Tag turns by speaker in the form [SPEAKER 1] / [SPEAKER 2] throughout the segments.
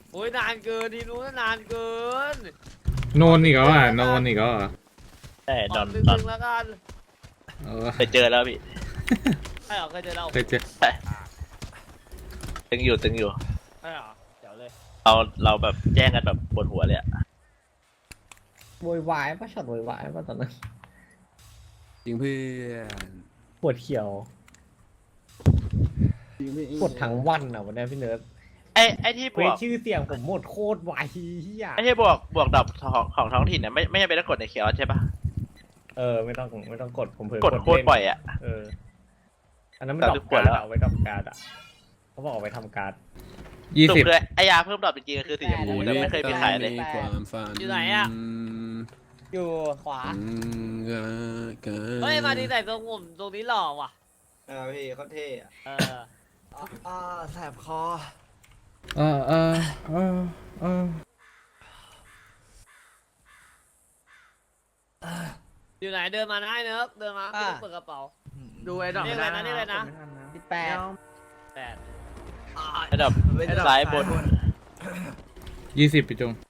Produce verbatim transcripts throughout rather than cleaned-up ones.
[SPEAKER 1] โอ้ยนานเกินทีนู้นนานเกิน
[SPEAKER 2] โนนอีกแล้วอ่ะโนนอีกแล้วอ่ะ
[SPEAKER 3] แต่ดอน
[SPEAKER 1] ตึ
[SPEAKER 3] ดอน
[SPEAKER 1] งๆแล้วกัน
[SPEAKER 2] เออ
[SPEAKER 3] เคยเจอแล้วพี่
[SPEAKER 1] ใช่เหรอเคยเจอเรา
[SPEAKER 2] เคยเจอ
[SPEAKER 3] ตึงอยู่ตึงอยู่
[SPEAKER 1] ใช่เหรอเดี๋ยวเลย
[SPEAKER 3] เราเราแบบแจ้งกันแบบปวดหัวเลยอะ
[SPEAKER 4] โวยวายป่ะช็อตโวยวายป่ะตอนนั้น
[SPEAKER 5] จริงเพื่อน
[SPEAKER 4] ปวดเขียว
[SPEAKER 5] จริงพี่
[SPEAKER 4] ปวดทั้งวันอ่ะวันนี้พี่เนิร์ด
[SPEAKER 3] ไอ้ไอ้ที่บ
[SPEAKER 4] เคว
[SPEAKER 3] ว
[SPEAKER 4] ส
[SPEAKER 3] ก
[SPEAKER 4] ชื่อเสียงผมหมดโคตรไวเฮีย
[SPEAKER 3] ไอ้ที่บวกบวกดอกของของท้องถิ่นเนี่ยไม่ไม่จำเป็นต้องกดในเคียวใช่ปะ
[SPEAKER 4] เออไม่ต้องไม่ต้องกดผมเพิ่ง
[SPEAKER 3] กดโคตร
[SPEAKER 4] เล่น
[SPEAKER 3] บ่อยอะ
[SPEAKER 4] เอออันนั้นมัน
[SPEAKER 3] แต่
[SPEAKER 4] ด
[SPEAKER 3] ทุ
[SPEAKER 4] อก
[SPEAKER 3] ก
[SPEAKER 4] การ
[SPEAKER 3] คนแล้ว
[SPEAKER 4] เอาไว้ดอกการ์ดอ่ะเขาบอกเอาไว้ทำการ์ด
[SPEAKER 2] ยี่
[SPEAKER 3] สุ
[SPEAKER 2] สิบ
[SPEAKER 3] ดเลยไอ้ยาเพิ่มดอกจริงๆคือสีชมพูแต่ไม่เคยมีขายเลย
[SPEAKER 5] ในความฝัน
[SPEAKER 1] อยู่ไหนอ่ะ
[SPEAKER 4] อยู่ขวา
[SPEAKER 5] อืมก็ก็
[SPEAKER 1] เฮ้ยมาดีใส่ทรงผมตรงนี้หล่อว่ะ
[SPEAKER 6] เออพี่เขาเท่อะ
[SPEAKER 1] เออ
[SPEAKER 6] อ่าแสบคอ
[SPEAKER 2] เออเออเออเออ
[SPEAKER 1] อยู่ไหนเดินมาได้เนอะเดินมาไม่ต้องเปิดกระเป๋า
[SPEAKER 6] ดูไอ้ดอก
[SPEAKER 1] นี่อะไรนะนี่อะไรนะ
[SPEAKER 4] สิบแปด
[SPEAKER 1] แปด
[SPEAKER 3] ไอ้ดอกซ้ายบน
[SPEAKER 2] ยี่สิบพี่จง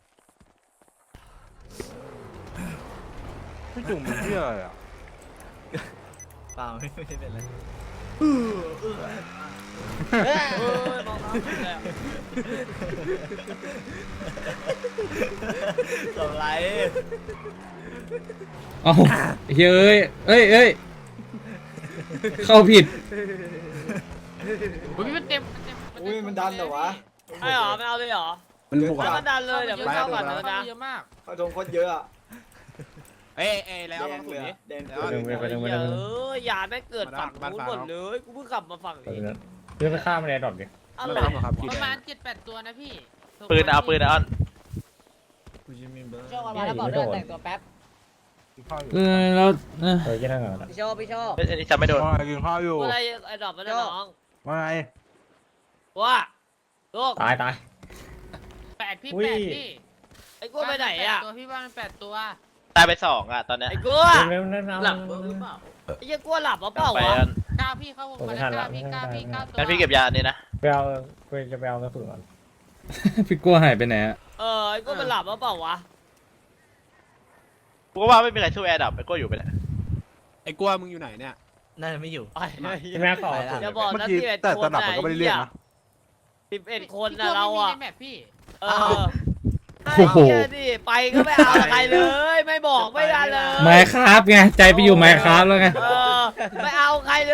[SPEAKER 7] พี่จุ่มเป็นเพื่ออะไรอ่ะ
[SPEAKER 6] เปล่าไม่ไม่เป็นไร
[SPEAKER 1] เออมองน้ำผิดเลยอะ
[SPEAKER 6] สไลด์
[SPEAKER 2] เอ้าเฮ้ยเอ้ยเอ้ยเอ้ยเข้าผิด
[SPEAKER 8] อุ้ยมันเต็มมันเต็ม
[SPEAKER 6] อุ้ยมันดันเหรอวะ
[SPEAKER 1] ใช่เหรอไม่เอาเลยเหรอ
[SPEAKER 5] มันบวก
[SPEAKER 1] แล้ว
[SPEAKER 5] อะ
[SPEAKER 1] มันดันเลยเดี๋ยวมันเข้าก่อนเนอะนะ
[SPEAKER 8] เยอะมาก
[SPEAKER 6] เขาทงโคตรเยอะอะ
[SPEAKER 5] เอ้ยเอ้ยแล้ว
[SPEAKER 6] แด
[SPEAKER 5] เอา
[SPEAKER 6] ง
[SPEAKER 5] สุ
[SPEAKER 6] เล
[SPEAKER 5] ด
[SPEAKER 6] ย
[SPEAKER 5] นี้
[SPEAKER 6] อะแดง
[SPEAKER 5] แล้
[SPEAKER 6] เกิ
[SPEAKER 5] ว
[SPEAKER 6] น
[SPEAKER 4] ไปหนึ่งไปหนึ่งไปห
[SPEAKER 1] เย
[SPEAKER 4] นึ่ง
[SPEAKER 1] อะยาแม่งเกิดฝั่ง
[SPEAKER 5] บ้าน
[SPEAKER 1] นู้น
[SPEAKER 5] ฟ้า
[SPEAKER 1] หมดเลยกูเพิ่งขับมาฝั่ง
[SPEAKER 4] ไป
[SPEAKER 1] นี้
[SPEAKER 4] หนึ่งเพื่อไปฆ่ามันในดอกดิ
[SPEAKER 1] อะไร
[SPEAKER 5] ไม่ต้องหรอกครับ
[SPEAKER 8] ประมาณเจ็ดแปดตัวนะพี่
[SPEAKER 3] ปืนเอาปืนเอาอ้อน
[SPEAKER 6] กูจะมีเบอร์
[SPEAKER 4] โชคมาแล้วบอกด้วยแต่งตัวแป๊บ
[SPEAKER 7] กินข้าวอยู่
[SPEAKER 2] เออแล้วเออ
[SPEAKER 4] เออแค่นั้นเหรอ
[SPEAKER 1] พี่โชว์พี่โชว์
[SPEAKER 3] เอ้ยอันนี้จำไม่โดน
[SPEAKER 7] ว่าไงกินข้าวอยู่
[SPEAKER 1] อะไรไอ้ดอกมันได้น้อง
[SPEAKER 7] ว่าไง
[SPEAKER 1] ว่าลูก
[SPEAKER 4] ตายตาย
[SPEAKER 8] แปดพี่
[SPEAKER 4] อุ้ย
[SPEAKER 8] แปดพี่
[SPEAKER 1] ไอ้กูไปไหนอ่ะ
[SPEAKER 8] ตัวพี่ว่ามันแปดตัว
[SPEAKER 3] ตายไปสองอะตอนเนี้ย
[SPEAKER 1] ไอ้กู
[SPEAKER 4] เร็วๆนั่น
[SPEAKER 1] หลับหรือเปล่าไอ้เหี้ยกูหลับหรือเปล่า
[SPEAKER 3] ไป
[SPEAKER 1] วะ
[SPEAKER 3] อัน
[SPEAKER 8] เก้าพี่เข้าวงมาแล้วเก้าพี่เก้าพี่เก้าตัว
[SPEAKER 3] งั้นพี่เก็บยาอันนี้นะ
[SPEAKER 4] ไปเอาไปจะไปเอากระสุนก่อน
[SPEAKER 2] พี่กลัวหายไปไหนอะ
[SPEAKER 1] เออไอ้กูมันหลับหรือเปล่าวะ
[SPEAKER 3] กูก็ว่าไม่มีใครช่วยแอร์ดับไอ้ก็อยู่ไปแหละ
[SPEAKER 5] ไอ้กลัวมึงอยู่ไหนเนี่ย
[SPEAKER 6] น่าจะไม่อยู่
[SPEAKER 1] ไอ้
[SPEAKER 4] พี่แม่ขอกระสุน
[SPEAKER 1] อย่าบอก
[SPEAKER 7] เมื่อ
[SPEAKER 1] นะ
[SPEAKER 7] กี้
[SPEAKER 1] สิบเอ็ด
[SPEAKER 7] แต่
[SPEAKER 1] ค
[SPEAKER 7] ต
[SPEAKER 1] น
[SPEAKER 7] นับมันก็ไม่ได้เรียกนะ
[SPEAKER 1] สิบเอ็ดคน
[SPEAKER 8] พี่
[SPEAKER 1] นะเราอ่ะ
[SPEAKER 8] ไม่มีในแมปพี่
[SPEAKER 1] เออไอ้เหี้ยดิไปก็ไม่เอาใครเลย ไม่บอกไม่ได้เลย
[SPEAKER 2] ไมค์ครับไงใจไปอยู่ไมค์ครับแล้วไง
[SPEAKER 1] เออไม่เอาใครเลย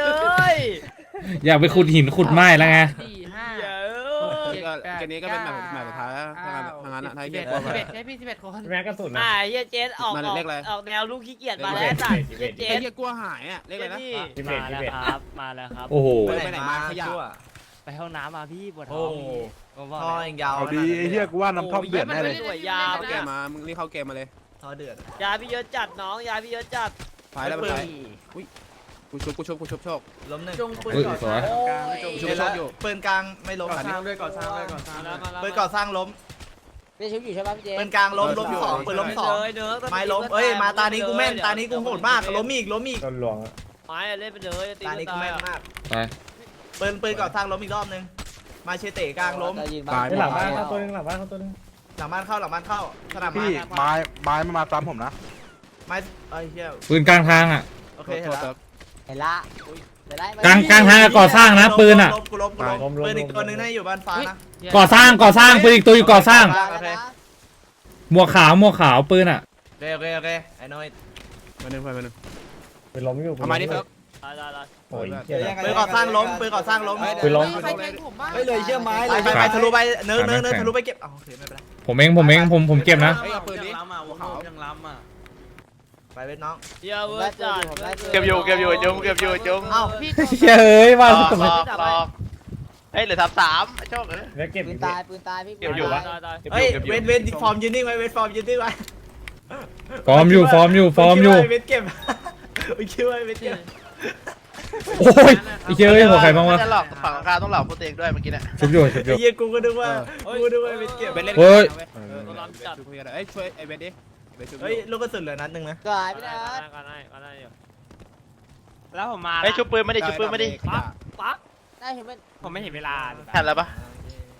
[SPEAKER 2] อยากไปขุดหินขุดไม้แล้วไง
[SPEAKER 8] สี่ห้า
[SPEAKER 1] เหี้ย
[SPEAKER 5] ก็เกมนี้ก็เป็นแบบแบบสุดท้ายแล้วทางนั้นทางนั้นอะทาง
[SPEAKER 8] สิบ
[SPEAKER 5] เก
[SPEAKER 8] เอ็
[SPEAKER 5] ม
[SPEAKER 8] ด
[SPEAKER 5] กลัว
[SPEAKER 8] สิบ
[SPEAKER 5] ไป
[SPEAKER 8] เอ็ดใช่พี่สิบเอ็ดคน
[SPEAKER 4] พี่แม่กระสุนนะ
[SPEAKER 1] อ่าเหี้ยเจสออก
[SPEAKER 5] มา
[SPEAKER 1] ออก
[SPEAKER 5] เลขอะไร
[SPEAKER 1] ออกแนวลูกขี้เกียจมาแล้วจ้ะเหี้ยเจ
[SPEAKER 5] ไอ้
[SPEAKER 1] ส
[SPEAKER 5] เหี้ยกลัวหายอ่ะเลขอะไรนะ
[SPEAKER 1] นี่
[SPEAKER 4] พี่เบ็ดพี่เบ็ด
[SPEAKER 9] ครับมาแล้วครับ
[SPEAKER 2] โอ้โห
[SPEAKER 5] ไปไหนมาขยะ
[SPEAKER 6] ชั่ว
[SPEAKER 9] ไปห้องน้ำมาพี่ปวดท้
[SPEAKER 6] โอ้
[SPEAKER 9] อง
[SPEAKER 6] โห
[SPEAKER 9] ผมบอก
[SPEAKER 6] ท่อ
[SPEAKER 9] แล้ว
[SPEAKER 6] ยังยาว
[SPEAKER 7] เอาดีไอ้เหี้ยกูว่าน้ำท่อมเดือดแน่เลย
[SPEAKER 1] สวยยาว
[SPEAKER 5] เข้าเกมมามึงรีบเข้าเกมมาเลย
[SPEAKER 6] ท่อเดือด
[SPEAKER 1] ยาพี่เยอะจัดน้องยาพี่เยอะจัด
[SPEAKER 5] ไปแล้วไปไปอุ้ยกูชุบกูชุบกูชุบโชค
[SPEAKER 6] ล้มหนึ่ง
[SPEAKER 2] อุ้ยสวย
[SPEAKER 5] กูชุบโชคอยู่
[SPEAKER 6] ปืนกลางไม่ล้ม
[SPEAKER 5] ก่อสร้างด้วย
[SPEAKER 6] ก่อสร้างด้วยก่อสร้าง
[SPEAKER 1] มาแล้วมาแล้ว
[SPEAKER 6] ปืนก่อสร้างล้ม
[SPEAKER 4] พี่ชุบอยู่ใช่ป่ะพี่เจ
[SPEAKER 6] ปืนกลางล้มล้มสองปืนล้มสอง
[SPEAKER 1] เลยเนอะ
[SPEAKER 6] ไม้ล้มเอ้ยมาตานี้กูแม่นตานี้กูโหดมากล้มอีกล้มอีก
[SPEAKER 4] โดนหลวงอะ
[SPEAKER 1] ไม้อะเล่นไปเลย
[SPEAKER 6] ตานี้กูแม่นมาก
[SPEAKER 2] ไป
[SPEAKER 6] ปืนปืนก่อสร้างล้มอีกรอบนึงมาเชเตะกลางล้ม
[SPEAKER 5] ตาย
[SPEAKER 4] หลังบ้านเข้าตัวนึงหลังบ้านเข้าตัวนึง
[SPEAKER 6] หลังบ้านเข้าหลังบ้านเข้าสนาม
[SPEAKER 7] พี่
[SPEAKER 6] ม้า
[SPEAKER 7] ไม้ไม้มามาซ้ำผมนะ
[SPEAKER 6] ไม้เอ้ยเฮีย
[SPEAKER 2] ปืนกลางทางอ่ะ
[SPEAKER 6] โอเคเห็นแล้ว
[SPEAKER 4] เห็นละเห็นละ
[SPEAKER 2] กลางกลางทางก่อสร้างนะปืนอ่ะ
[SPEAKER 6] ล้มกูล้มกูล้มปืนอีกตัวนึงน่าอยู่บ้านฟ้านะ
[SPEAKER 2] ก่อสร้างก่อสร้างปืนอีกตัวอยู่ก่อสร้าง
[SPEAKER 6] โอเค
[SPEAKER 2] หมวกขาวหมวกขาวปืนอ่ะ
[SPEAKER 6] โอเคโอเคโอเคไอ้น้อย
[SPEAKER 5] มาหนึ่งไปมาหนึ่ง
[SPEAKER 4] ไปล้มอยู่
[SPEAKER 5] ทำไมนี่เฟิร์ก
[SPEAKER 1] ได้ได้ได้
[SPEAKER 4] โอ้ยเหี้ย
[SPEAKER 6] ปืนก่อสร้างล้มปืนก่อสร้างล้ม
[SPEAKER 4] ปืนล้ม
[SPEAKER 8] ใครแทงผมบ้าง
[SPEAKER 6] ไปเลยเชื่อไม้เลยไปไปทะลุไปเนื้อเนื้อเนื้อทะลุไปเก็บอ๋อโอเคไม่เป็นไร
[SPEAKER 2] ผมเองผมเองผมผมเก็บนะ
[SPEAKER 5] เฮ้ยเอาปืนนี้
[SPEAKER 9] ยังล้ำอ่ะวงยังล้ำอ่ะ
[SPEAKER 6] ไปเว้ยน้อง
[SPEAKER 1] เดี๋ยวเวอร์จัด
[SPEAKER 3] เก็บอยู่เก็บอยู่จุ้งเก็บอยู่จุ้ง
[SPEAKER 6] เอ้า
[SPEAKER 8] พี่
[SPEAKER 2] เฮ้ย
[SPEAKER 3] หล
[SPEAKER 2] ว่า
[SPEAKER 3] อกหลอกหลอกเฮ้ยเหลือสามสามไอ้โชคเอ้ย
[SPEAKER 4] แล้วเก็บ
[SPEAKER 9] ปื
[SPEAKER 4] อี
[SPEAKER 9] น
[SPEAKER 4] ก
[SPEAKER 9] ตายปืนตายพี่
[SPEAKER 3] เก็บอยู่ปะ
[SPEAKER 1] ได้ได้
[SPEAKER 3] เก็บอ
[SPEAKER 6] เฮ้ย
[SPEAKER 3] ยู่เก็บอ
[SPEAKER 6] เว
[SPEAKER 3] ยู่
[SPEAKER 6] ทเวทฟอร์มยืนนิ่งไว้เวทฟอร์มยืนนิ่งไว้
[SPEAKER 2] ฟอร์มอยู่ฟอร์มอยู่ฟอร์มอยู่
[SPEAKER 6] เวทเก็บไม่คิดว่าเวทเก็บ
[SPEAKER 2] โอ้ยไอ้เจ้ยหัวใครบ้างวะ
[SPEAKER 3] จะหลอกฝั่งข้างต้องหลอกพวกตัวเองด้วยเมื่อกี้เนี่ย
[SPEAKER 2] ชุบอยู่ชุบอ
[SPEAKER 6] ไอ้
[SPEAKER 2] ยู่
[SPEAKER 6] เหี้ยกูก็นึกว่ากูก็นึกว่าเวทเก็บ
[SPEAKER 5] เบนเล่น
[SPEAKER 2] เฮ้ย
[SPEAKER 1] ตัวล้ำจัด
[SPEAKER 5] ช่วยเอ้ยช่วยไอ้เบนดิเบนช่วย
[SPEAKER 6] เฮ้ยลูกกระสุนเหลือนัดหนึ่งนะ
[SPEAKER 4] ก็หายไป
[SPEAKER 1] ได้
[SPEAKER 4] นะ
[SPEAKER 1] ได้ก็ได้ก็ได้อยู่
[SPEAKER 9] แล้วผมมา
[SPEAKER 3] ไอ้ยชุบปืนไม่ได้ชุบปืนไม่ได้
[SPEAKER 1] ปั๊บปั๊บ
[SPEAKER 4] ได้เห็นไหม
[SPEAKER 9] ผมไม่เห็นเวลา
[SPEAKER 3] ทันแล้วปะ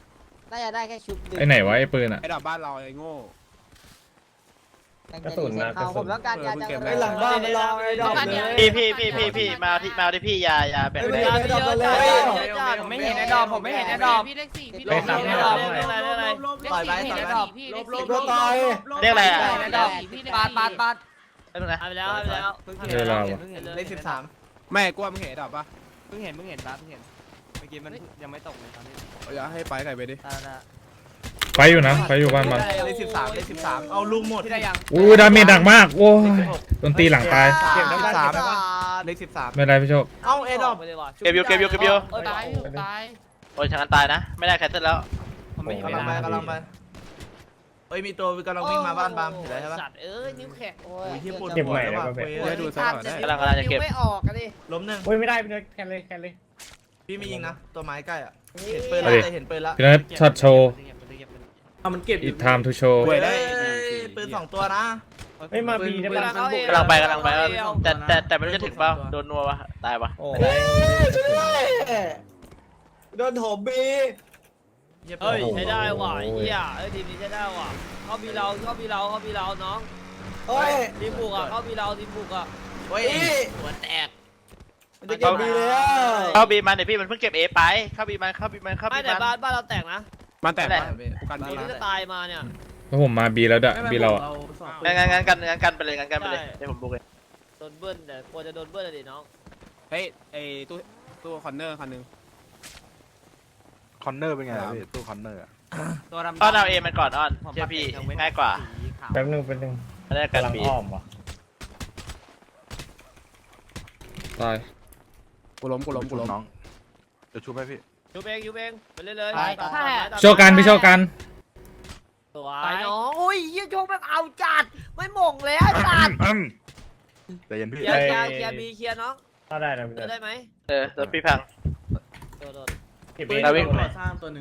[SPEAKER 4] น่าจะได้แค่ชุบ
[SPEAKER 2] ไอ้ไหนวะไอ้ปืนอ่ะ
[SPEAKER 5] ไอ้ดอกบ้านเราไอ้โง่
[SPEAKER 4] กระสุนนะผมต้องการยาจัง
[SPEAKER 5] ไอ้
[SPEAKER 4] เลย
[SPEAKER 5] หลังบ้าน
[SPEAKER 1] ไม่รอไอ้ดอกเลย
[SPEAKER 3] พี่พี่พี่พี่พี่มาที่มาที่พี่ยายาแบ่ง
[SPEAKER 1] ไม่
[SPEAKER 3] ไป
[SPEAKER 1] ได้ไม่ได้ไม่ได้
[SPEAKER 9] ผมไม่เห็นไอ้ดอมผมไม่เห็นไอ้ดอม
[SPEAKER 8] พี่เลขสี่พี่
[SPEAKER 1] ไปตามไอ้ดอกเลยอะไรอะไร
[SPEAKER 6] ต่อยไปต่อยไป
[SPEAKER 8] พี่เลข
[SPEAKER 6] ล
[SPEAKER 8] สี่
[SPEAKER 6] บลบต่อย
[SPEAKER 3] เรียกอะไรอ่ะ
[SPEAKER 8] ไอ้ดอมพี่เลข
[SPEAKER 9] ปาดปาดปาด
[SPEAKER 3] ไม่เป็นไร
[SPEAKER 1] เอาไปแล้วเอาไปแล้ว
[SPEAKER 2] เวลาวะ
[SPEAKER 6] เลขสิบสาม
[SPEAKER 5] ไม่กลัวมึงเห็นไอ้ดอกปะ
[SPEAKER 9] เพิ่งเห็นเพิ่งเห็นปาเพิ่งเห็นเมื่อกี้มันยังไม่ตกเลยตอนนี้
[SPEAKER 5] เอาอย่าให้ไปไก่ไปดิ
[SPEAKER 9] ตาตา
[SPEAKER 2] ไฟอยู่นะไฟอยู่บ้านมัน
[SPEAKER 6] เลขสิบสามเลขสิบสามเอาลุงหมด
[SPEAKER 9] ที่ได้ยัง
[SPEAKER 2] อู้ดาเมจหนักมากโอ้ยโดนตีหลังตาย
[SPEAKER 6] เก็บทั้งสามเลขสิบสาม
[SPEAKER 2] ไม่เป็นไรพี่โชค
[SPEAKER 6] เอ้าเอ็ดอป
[SPEAKER 3] เก็บอยู่เก็บอยู่เก็บอยู่
[SPEAKER 8] ตายอยู่ตาย
[SPEAKER 3] โอ้ยทางนั้นตายนะ ไม่ได้แคสเซิลแล้ว
[SPEAKER 9] ผมไม่เห็น
[SPEAKER 6] กำลังไปกำลังไปเอ้ยมีตัวกำลังวิ่งมาบ้านบามเห็นแล้วใช่ปะ
[SPEAKER 1] สัตว์เอ้ยนิ้วแข็งโอ้
[SPEAKER 6] โอ้
[SPEAKER 1] ย
[SPEAKER 6] ยที่ปวดหัวแล้วว่ะ
[SPEAKER 5] จะให้ดูซะก่อนได้
[SPEAKER 3] กำลังกำลังจะเก็บ
[SPEAKER 1] ไม่ออกอะดิ
[SPEAKER 6] ล้มหนึ่ง
[SPEAKER 4] โอ้ยไม่ได้พี่เนิร์ดแคนเลยแคนเลย
[SPEAKER 6] พี่ไม่ยิงนะตัวไม้ใกล้อ่ะเห็นปืนแล้วแต่เห็นปืนแล้ว
[SPEAKER 2] พี่นัทช็อตโชว์
[SPEAKER 6] เอามันเก็บ
[SPEAKER 2] อีทไทม์ทูโชว์
[SPEAKER 5] ป่วยได้
[SPEAKER 6] ปืนสองตัวนะ
[SPEAKER 4] เฮ้ยมาบีได้ปะ
[SPEAKER 3] กำลังไปกำลังไปแต่แต่แต่ไม่รู้จะถึงเปล่าโดนนัววะตายวะ
[SPEAKER 4] โอ้
[SPEAKER 6] โดนโถมบี
[SPEAKER 1] เฮ้ยใช้ได้ว่ะเฮียเอ้ยทีมนี้ใช้ได้ว่ะเข้าบีเราเข้าบีเราเข้าบีเราน้อง
[SPEAKER 6] เฮ้ย
[SPEAKER 1] ทีมบุกอ่ะเข้าบีเราทีมบุกอ่ะ
[SPEAKER 6] เฮ้ย
[SPEAKER 1] หัวแตก
[SPEAKER 6] มันจะเก็บบีเลยอ่ะ
[SPEAKER 3] เข้าบีมันเดี๋ยวพี่มันเพิ่งเก็บเอไปเข้าบีมันเข้าบีมันเข้า
[SPEAKER 1] ไม่
[SPEAKER 3] บี
[SPEAKER 1] แต่
[SPEAKER 3] มัน
[SPEAKER 1] บ้านบ้านเราแตกนะ
[SPEAKER 5] มันแตก
[SPEAKER 3] แหละ
[SPEAKER 5] กูกัน
[SPEAKER 1] ที
[SPEAKER 5] บี
[SPEAKER 1] มที่จะตายมาเนี่ย
[SPEAKER 2] แล้วผมมาบีแล้วด้วยบีเราอะ
[SPEAKER 3] งั้นงั้นงั้นกันงั้นกันไปเลยงั้นกันไปเลยเดี๋ยวผมบุกเลย
[SPEAKER 1] โดนเบิ้ลแต่กลัวจะโดนเบิ้ลเลยดิน้อง
[SPEAKER 5] เฮ้ยไอ้ตู้ตู้คอนเนอร์คันนึง
[SPEAKER 7] คอนเนอร์เป็นไงอะพี่ตู้คอนเนอร์อะ
[SPEAKER 9] ตัวดำ
[SPEAKER 3] อ้อนเอาเอมันก่อนอ้อนเชื่อพี่ง่ายกว่า
[SPEAKER 2] แป๊บนึงแป๊บนึง
[SPEAKER 3] ไม่ได้กัน
[SPEAKER 2] กำลัง
[SPEAKER 3] บี
[SPEAKER 2] อ้อมวะตาย
[SPEAKER 5] กูล้มกูล้มกูล้ม
[SPEAKER 7] น้องเดี๋ยวชูให้พี่
[SPEAKER 1] ยูเบงยูเบงไปเรื่อยๆ
[SPEAKER 2] โชว์กันพี่โชว์กัน
[SPEAKER 1] สวยน้องอุ้ยยี่โชว์แบบเอาจัดไม่หม่งแล้วจัด
[SPEAKER 7] แต่ยันพี่
[SPEAKER 1] เคลียร์เคลียร์เคลียร์บีเคลียร์น้อง
[SPEAKER 4] เข้าได้นะพี่
[SPEAKER 1] เจ
[SPEAKER 4] เนิ
[SPEAKER 1] อ
[SPEAKER 4] ร์ด
[SPEAKER 1] ได้ไหม
[SPEAKER 3] เออแล้วพี่พัง
[SPEAKER 1] โดนโดน
[SPEAKER 4] เก็บ
[SPEAKER 3] ปื
[SPEAKER 4] เอน ง
[SPEAKER 3] เราวิ่ง
[SPEAKER 6] สร้างตัวหนึ่ง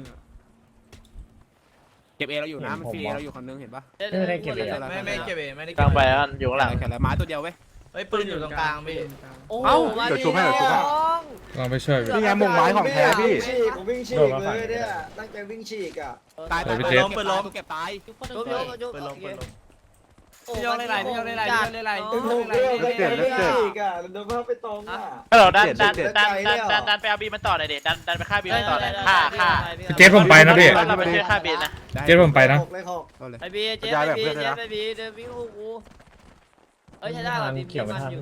[SPEAKER 5] เก็บเอเราอยู่นะมันฟรีเราอยู่คันนึงเห็นปะ
[SPEAKER 4] ไม่ได้เก็บเลย
[SPEAKER 6] ไม่ไม่เก็บเองไม่ได้
[SPEAKER 3] กลางไปอ้อนอยู่ข้างหลัง
[SPEAKER 5] แค่ละไม้ตัวเดียวเว้ย
[SPEAKER 6] เฮ้ยปืนอยู่ตรงกลางพี่
[SPEAKER 1] โอ้
[SPEAKER 7] เอ้า
[SPEAKER 1] มา
[SPEAKER 7] เดี๋ยวชูให้เดี๋ยวชูให้
[SPEAKER 1] น้อง
[SPEAKER 2] ลองไปช่วยพี่
[SPEAKER 7] นี่ไงมุงไม้ของแท้พี่
[SPEAKER 4] ผมวิ่งฉีกเลยเนี่ยตั้งใจวิ่งฉีกอ่ะ
[SPEAKER 5] ตาย
[SPEAKER 2] เดี๋
[SPEAKER 5] ตาย
[SPEAKER 2] วย ไปเจ็บ
[SPEAKER 5] ล้มปืนล้มเก็บตาย
[SPEAKER 8] ทุกคน
[SPEAKER 1] ยกยกยก
[SPEAKER 6] ปืนลงปืนลง
[SPEAKER 9] พี่โยกเลยไรพี่โยกเลยไรพี่โยกเลยไร
[SPEAKER 1] โอ้
[SPEAKER 9] พี่โยกเลยไร
[SPEAKER 7] เปลี่ยนแล้วเปลี่ยน
[SPEAKER 4] อ่ะโดนภาพไปตรงอ่ะ
[SPEAKER 3] ฮัลโหลดันดันดันดันดันดันไปเอาบีมันต่อหน่อยดิดันดันไปฆ่าบีมันต่อหน่อยฆ่าฆ่า
[SPEAKER 2] เจ็ดผมไปนะพี่
[SPEAKER 3] เราไปช่วยฆ่าบีนะ
[SPEAKER 2] เจ็ดผมไปนะ
[SPEAKER 4] เลยหก
[SPEAKER 5] เอาเลย
[SPEAKER 1] ไอบีเจ๊ไอบีเจ๊ไอบีเดินวิ่งคู่กูเอ้ยใช้ได้เหรอทีมมันอยู่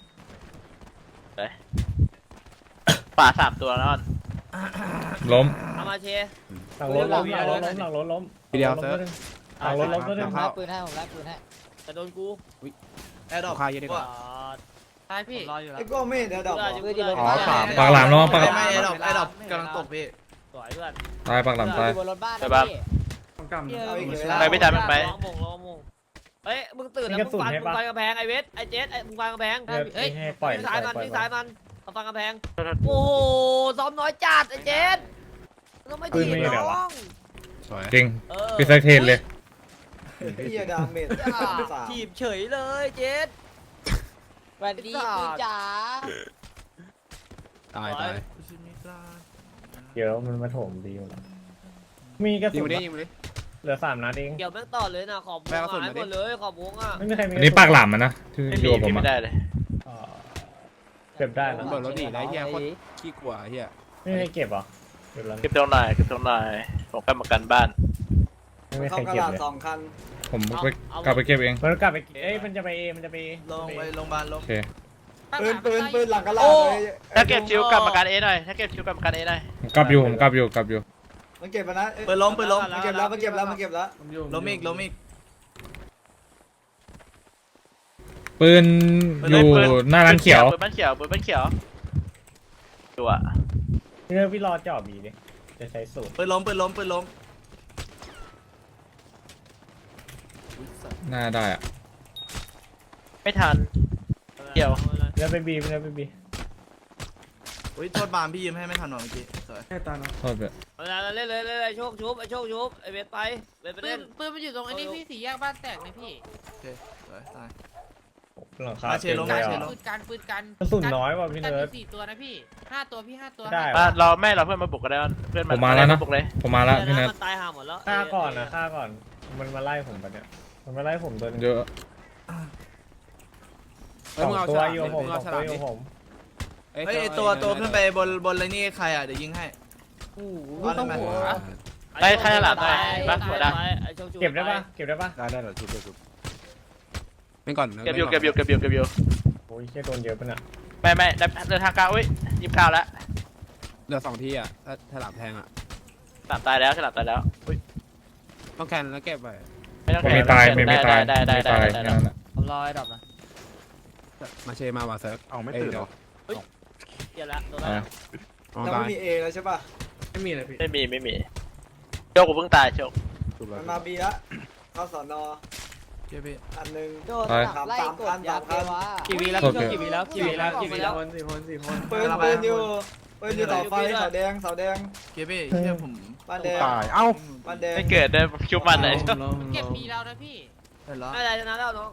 [SPEAKER 3] ป่าสามตัวนะอ้อน
[SPEAKER 2] ล้ม
[SPEAKER 1] เอามาเช
[SPEAKER 4] หลังรถล้มหลังรถล้มหลังรถล้ม
[SPEAKER 5] ทีเดียวเซิร์ฟ
[SPEAKER 4] หลังรถล้มตัวนึง
[SPEAKER 5] เข้า
[SPEAKER 4] ปืนให้ผมรับปืนให้
[SPEAKER 1] แต่โดนกู
[SPEAKER 6] แอร์ดรอป
[SPEAKER 5] คาเยอะดีกว่า
[SPEAKER 8] ตายพี่
[SPEAKER 9] รออยู่แล้ว
[SPEAKER 4] ไอ้ก็ไม่เดี๋ยวดอก
[SPEAKER 7] อ๋อสาม
[SPEAKER 2] ปากหลามน้องปาก
[SPEAKER 6] ไม่แอร์ดรอปแอร์ดรอปกำลังตกพี่
[SPEAKER 1] สวยเพื่อน
[SPEAKER 2] ตายปากหลามตาย
[SPEAKER 4] บนรถบ้าน
[SPEAKER 3] ไปบ้าง
[SPEAKER 6] ไป
[SPEAKER 3] ไปไม่ทันมันไป
[SPEAKER 1] ลองมงลองมงเฮ้ยมึงตื่นแล้วมึงฟันมึงฟันกระแพงไอเวสไอเจสไอมึงฟันกระแพง
[SPEAKER 4] เฮ้ยให้ปล่อย
[SPEAKER 1] วิ่งซ้ายมัน
[SPEAKER 4] ปล่อย
[SPEAKER 1] วิ่งซ้ายมันเอาฟันกระแพงโอ้โหซ้อมน้อยจัดไอเจสต้องไม่ถีบน้อง
[SPEAKER 5] สวย
[SPEAKER 2] จริง
[SPEAKER 1] เออ
[SPEAKER 2] พี่แซคเทนเลย
[SPEAKER 4] เฮียดาเมจ
[SPEAKER 1] ถีบเฉยเลยเจส
[SPEAKER 4] สวัสดีพี่จ๋า
[SPEAKER 5] ตายตาย
[SPEAKER 4] เดี๋ยวมันมาโถมดีอยู่มีกระ
[SPEAKER 5] ยิง
[SPEAKER 4] สุน
[SPEAKER 5] ไปดิยิงไปดิ
[SPEAKER 4] เหลือสามนัดเอง
[SPEAKER 1] เกี่ยวแม่งต่อเลยนะขอบวงหายหมดเลยขอบวงอ่ะ
[SPEAKER 4] ไม่มีใครมี
[SPEAKER 2] อันนี้ปากหลามมันนะที่
[SPEAKER 3] ไม่
[SPEAKER 2] ดู
[SPEAKER 3] มี
[SPEAKER 2] กับผม
[SPEAKER 3] ไม่
[SPEAKER 2] อะ
[SPEAKER 3] ได้เลย
[SPEAKER 4] เก็บได้นะ
[SPEAKER 5] เบิดรถดีได้เฮียโคตรขี้กลัวเฮีย
[SPEAKER 4] ไม่มีใครเก็บหรอเก็บแล้ว
[SPEAKER 3] เก็บตรงไหนเก็บตรงไหนผมกลับมากันบ้าน
[SPEAKER 4] ไม่มีใครเก็บเลย
[SPEAKER 2] ผมไปกลับไปเก็บเอง
[SPEAKER 4] มันกลับไปเอ้ยมันจะไปมันจะไป
[SPEAKER 6] ลงไปโรงพยาบาลล
[SPEAKER 2] โอง เค
[SPEAKER 8] ปืนปืนปืนหลังกระ
[SPEAKER 1] โอ้
[SPEAKER 3] ถ้าเก็บชิวกลับมากันเอหน่อยถ้าเก็บชิวกลับมากันเอหน่อย
[SPEAKER 2] ผมกลับอยู่ผมกลับอยู่กลับอยู่
[SPEAKER 4] มันเก็บมานะ
[SPEAKER 6] ปืนล้มปืนล้ม
[SPEAKER 4] มันเก็บแล้วมันเก็บแล้วมันเก็บแล้ว
[SPEAKER 6] ล้มอีกล้มอีก
[SPEAKER 2] ปืนอยู่หน้าร้านเขียว
[SPEAKER 3] ปืนบ้านเขียวปืนบ้านเขียวดูอ่ะ
[SPEAKER 4] เนื้อพี่รอจ่อบีดิจะใช้สูตร
[SPEAKER 6] ปืนล้มปืนล้มปืนล้ม
[SPEAKER 2] หน้าได้อะ
[SPEAKER 3] ไม่ทันเกี่ยว
[SPEAKER 4] เนื้อไปบีเนื้อไปบี
[SPEAKER 6] อุ้ยโทษบามพี่ยืมให้ไม่ทันหรอเมื่อกี้สวย
[SPEAKER 2] โทษไป
[SPEAKER 1] เวลาเล่นเลยเล่นเลยโชคชุบไอโชคชุบไอเวสไปเวสไป
[SPEAKER 8] ปื
[SPEAKER 1] เล่
[SPEAKER 8] น
[SPEAKER 1] น
[SPEAKER 8] ปืนมันอยู่ตรงไอ้นี่พี่สี่แยกบ้านแตกนะพี่
[SPEAKER 6] โอเคสวยตาย
[SPEAKER 4] หลังคา
[SPEAKER 6] มาเชลง
[SPEAKER 4] ต็
[SPEAKER 6] มา
[SPEAKER 4] ลย
[SPEAKER 6] เช
[SPEAKER 4] อะ
[SPEAKER 6] ลง
[SPEAKER 8] ปืนกันปืนกัน
[SPEAKER 4] กระสุนน้อยว่ะพี่
[SPEAKER 8] กัน
[SPEAKER 4] เนิร์ด
[SPEAKER 8] มีสี่ตัวนะพี่ห้าตัวพี่ห้าตัว
[SPEAKER 4] ได้
[SPEAKER 3] อ่ะรอแม่เราเพื่อนมาบุกกันได้เพื่อน
[SPEAKER 2] ผมมาแล้วนะ
[SPEAKER 3] บุกเลย
[SPEAKER 2] ผมมาแล้วพี่
[SPEAKER 1] เดี๋
[SPEAKER 2] เนิ
[SPEAKER 1] ยว
[SPEAKER 2] ร์ด
[SPEAKER 1] มันตายห่าหมดแล้ว
[SPEAKER 4] ฆ่าก่อนนะฆ่าก่อนมันมาไล่ผมปะเนี่ยมันมาไล่ผมตัวหนึง
[SPEAKER 2] เยอะ
[SPEAKER 5] เฮ้ยมึงเอา
[SPEAKER 4] ตั
[SPEAKER 5] ฉ
[SPEAKER 4] ว
[SPEAKER 5] ลาม
[SPEAKER 4] อยู่
[SPEAKER 5] ดิ
[SPEAKER 4] ผม
[SPEAKER 5] มึง
[SPEAKER 4] สอ
[SPEAKER 5] เอา
[SPEAKER 4] ง
[SPEAKER 5] ฉ
[SPEAKER 4] ตัว
[SPEAKER 5] ลาม
[SPEAKER 4] อ
[SPEAKER 5] ดิ
[SPEAKER 4] ยู่ผม
[SPEAKER 6] เฮ้ยไอ้ตัวตัวขึ้นไปบนบนอะไรนี่ใครอ่ะเดี๋ยวยิงให้
[SPEAKER 8] โอ้โห
[SPEAKER 6] เอาได้ไหม
[SPEAKER 3] ไปใครจะหลับได้ปะหัวด
[SPEAKER 4] เก็บได้ปะเก็บได้ปะ
[SPEAKER 7] ได้ได้เดี๋ยวชุบเดี๋ยวชุบ
[SPEAKER 5] เป็นก่อน
[SPEAKER 3] ำเก็บอยู่เก็บอยู่เก็บอยู่เก็บอยู่
[SPEAKER 4] โอ้ยแค่โดนเยอะปะเนี่ย
[SPEAKER 3] ไม่ไม่เดินทางกลางอุ้ยยิบข้าวแล้ว
[SPEAKER 5] เหลือสองที่อ่ะถ้าฉลามแทงอ่ะ
[SPEAKER 3] ฉลามตายแล้วฉลามตายแล้วอุ้ย
[SPEAKER 5] ต้องแคนแล้วเก็บไป
[SPEAKER 3] ไม่ต้อง
[SPEAKER 2] ผมไม่ตายไม่ไม่ตาย
[SPEAKER 3] ได้ได้
[SPEAKER 2] ไม่
[SPEAKER 3] ได้
[SPEAKER 2] ตาย
[SPEAKER 3] ได้
[SPEAKER 2] แค่
[SPEAKER 3] ได้
[SPEAKER 2] นั้นแหละ
[SPEAKER 8] ผมรอไอ้ดอกนะ
[SPEAKER 5] มาเชมาว่ะเซิร์ฟ
[SPEAKER 7] เอาไม่ตื่นเหรอ
[SPEAKER 1] เดี๋ยวละตัวละ
[SPEAKER 2] อ่ะ
[SPEAKER 5] อ๋อ
[SPEAKER 8] เรา
[SPEAKER 5] ตา
[SPEAKER 8] ไม่
[SPEAKER 5] ย
[SPEAKER 8] มีเอแล้วใช่ป่ะ
[SPEAKER 5] ไม่มีเลยพี่
[SPEAKER 3] ไม่มีไม่มีโชคกูเพิ่งตายโชค
[SPEAKER 7] ชุบแล้ว
[SPEAKER 8] มันมาบีละเข้าสอนอ
[SPEAKER 6] เก็บพี่
[SPEAKER 8] อันหนึ่ง
[SPEAKER 2] ไป
[SPEAKER 8] สามสามพันสามพัน
[SPEAKER 9] กี่วีแล้ว
[SPEAKER 2] โอเค
[SPEAKER 9] กี่วีแล้วกี่วีแล้วกี่วีแล้ว
[SPEAKER 8] ปืนปืนอยู่ปืนอยู่เสาไฟเสาแดงเสาแดง
[SPEAKER 6] เก็บพี่เชื่อผม
[SPEAKER 8] บ้านแดง
[SPEAKER 7] ตาย เอ้า
[SPEAKER 8] บ้านแดง
[SPEAKER 3] ไม่เกิดได้ชุบมันเลย
[SPEAKER 8] เก็บมีเรานะพี่
[SPEAKER 6] เห็นแล้ว
[SPEAKER 1] ไม่ได้ชนะแล้วน้อง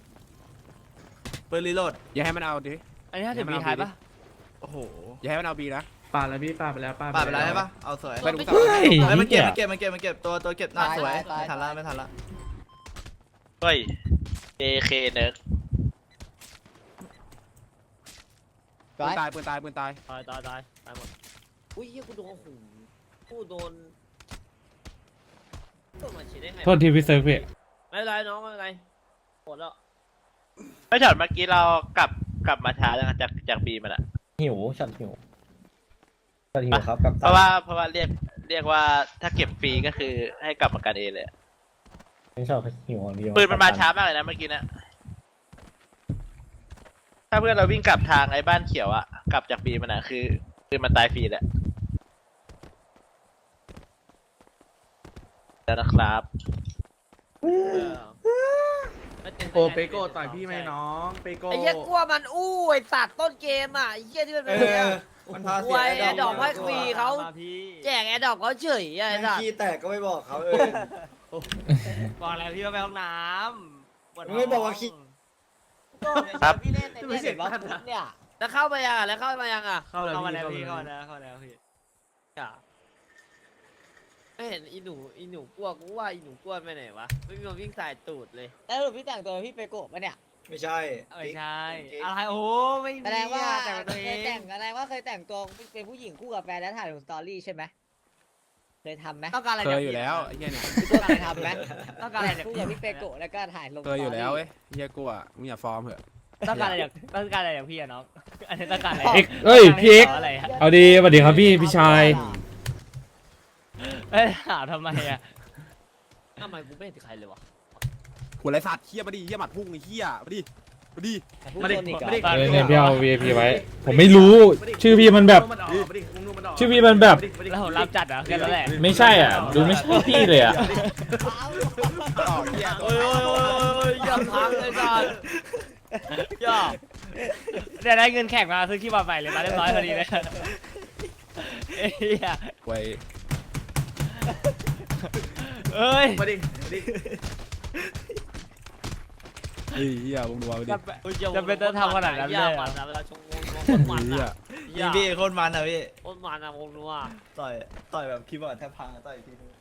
[SPEAKER 6] ปืนรีโหลด
[SPEAKER 5] อย่าให้มันเอาดิ
[SPEAKER 9] อันนี้ห้าสิบวีท้ายปะ
[SPEAKER 6] โอ้โห
[SPEAKER 5] อย่าให้มันเอาบีนะ
[SPEAKER 6] ปาดไปแล้วใช่ปะเอาสวย
[SPEAKER 5] ไปดู
[SPEAKER 2] เฮ้ย
[SPEAKER 6] เฮ้ยมันเก็บ
[SPEAKER 2] เหี้
[SPEAKER 6] มัน
[SPEAKER 2] ย
[SPEAKER 6] เก็บมันเก็บมันเก็บตัวตัวเก็บหน้าสวยไม่ทันละไม่ทันละ
[SPEAKER 3] เฮ้ย เอ เค เนิร์ก
[SPEAKER 5] ปืนตายปืนตายปืนตาย
[SPEAKER 1] ตายตายตายตายหมดอุ้ยเหี้ยกูโดนโอ้โหกูโดนโดนมาฉีดได้ไง
[SPEAKER 2] โทษทีพี่เซิร์ฟพี่
[SPEAKER 1] ไม่เป็นไรน้องไม่เป็นไรหมดแล้ว
[SPEAKER 3] ไม่ช็อตเมื่อกี้เรากลับกลับมาช้าจังจากจากบีมันอะ
[SPEAKER 4] หิวฉันหิวฉันหิวครับกับ
[SPEAKER 3] เพราะว่าเพราะว่าเรียกเรียกว่าถ้าเก็บฟรีก็คือให้กลับมากันเองเลย
[SPEAKER 4] ไม่ชอบหิวอย่างเดียว
[SPEAKER 3] ปืนมันมาช้ามากเลยนะเมื่อกี้นะถ้าเพื่อนเราวิ่งกลับทางไอ้บ้านเขียวอะกลับจากบีมันอะคือคือมันตายฟรีแหละแล้วนะครับ
[SPEAKER 1] โอเปโก้ต่อยพี่ไหมน้องเปโก้ไอ้เหี้ยกลัวมันอู้ไอ้สัตว์ต้นเกมอ่ะไอ้เหี้ยที่มัน
[SPEAKER 8] เอ
[SPEAKER 1] เป็นเนี่ย
[SPEAKER 8] อมันพา
[SPEAKER 1] ค
[SPEAKER 8] เสี
[SPEAKER 1] วย
[SPEAKER 8] ย
[SPEAKER 1] แอร์ดอกให้ฟรีเขา
[SPEAKER 9] พี่
[SPEAKER 1] แจกแอร์ดอกเขาเฉยอะไอ้
[SPEAKER 8] แม่ง
[SPEAKER 1] สัตว์
[SPEAKER 8] ขี้แตกก็ไม่บอกเขาเออ
[SPEAKER 9] บอกแล้วพี่ว่าไปห้องน้ำปวดท้ง
[SPEAKER 8] ไม่บอกว่าขี้
[SPEAKER 3] ครับ
[SPEAKER 1] พี่เล่นในเนี่ยเห็นปะเนี่ยแล้วเข้ามายังอ่ะแล้วเข้ามายังอ่ะ
[SPEAKER 9] เข้ามาแล้วพี่เข้ามาแล้วเข้ามาแล้วพี่
[SPEAKER 1] อ่ะไม่เห็นอีหนูอีหนูกลัวกูว่าอีหนูกลัวไปไหนวะไม่มีคนวิ่งสายตูดเลย
[SPEAKER 10] แล้วพี่แต่งตัวพี่เปโกะปะเนี่ย
[SPEAKER 8] ไม่ใช่
[SPEAKER 9] ไม่ใช่อะไรโอ้ไม่มี
[SPEAKER 10] แสดงว่า
[SPEAKER 9] แต่งตัว
[SPEAKER 10] เค
[SPEAKER 9] เอย ง
[SPEAKER 10] แต่งแสดงว่าเคยแต่งตัวเป็นผู้หญิงคู่กับแฟนแล้วถ่ายลงสตอรี่ใช่ไหมเคยทำไหม
[SPEAKER 9] ต้องการอะไร
[SPEAKER 5] เค
[SPEAKER 9] จาย ก
[SPEAKER 5] อยู่แล้วไอ้เหี้ยเนี่ย
[SPEAKER 10] พี่ตัวเคยทำไหม
[SPEAKER 9] ต้องการอะไรจาก
[SPEAKER 10] คู่กับพี่เปโกะแล้วก็ถ่ายลง
[SPEAKER 5] เคยอยู่แล้วเว้ยเหี้ยกูอ่ะมึงอย่าฟอร์มเถอะ
[SPEAKER 9] ต้องการอะไรจากต้องการอะไรจากพี่อะน้องอันนี้ต้องการอะไร
[SPEAKER 2] เอ็กเอ้ยพี่เอ็ก
[SPEAKER 9] อะไรอะ
[SPEAKER 2] เอาดีสวัสดีครับพี่พี่ชาย
[SPEAKER 9] เอ้ยถามทำไมอะ
[SPEAKER 1] ทำไมกูไม่เห็นใครเลยวะ
[SPEAKER 5] หัวไรสัตว์เหี้ยมาดิเหี้ยหมัดพุ่งไอ้เหี้ยมาดิมาดิ
[SPEAKER 10] มาดิมาดิ
[SPEAKER 2] เออเนี่ยพี่เอา วี ไอ พี ไว้ ผมไม่รู้ ชื่อพี่มันแบบ ชื่อพี่มันแบบ
[SPEAKER 9] แล้วผมรับจัดเหรอแค่นั้นแหละ
[SPEAKER 2] ไม่ใช่อ่ะ ดูไม่ใช่พี่เลยอ่ะ
[SPEAKER 5] อ๋อเหี้ย
[SPEAKER 1] โอ้ยโอ้ยโอ้ยโอ้ยอย่าพังเลยสัตว์อย่า
[SPEAKER 9] เดี๋ยวได้เงินแข่งมาซื้อขี้บอลใหม่เลยมาเรียบร้อยพอดีเลยเอ้ย
[SPEAKER 5] ไว้
[SPEAKER 9] เอ้ย
[SPEAKER 6] มาดิ
[SPEAKER 5] เฮ้ยเหี้ยมึงดูเอาดิ
[SPEAKER 9] จะเป็นจะเป็นต้องทำขนาดนั้นเลย
[SPEAKER 1] อย่า
[SPEAKER 9] เหร
[SPEAKER 1] มั
[SPEAKER 9] อน
[SPEAKER 1] นะเวลาชงงงคนมัน
[SPEAKER 5] เหี้ย
[SPEAKER 1] อ่ะ
[SPEAKER 6] ยิงพี่โคตรมันอ่ะพี่
[SPEAKER 1] คนมันอ่ะผมรู้อ่ะ
[SPEAKER 6] ต่อยต่อยแบบคีย์บอร์ดแทบพังอะต่อยอีกทีนึง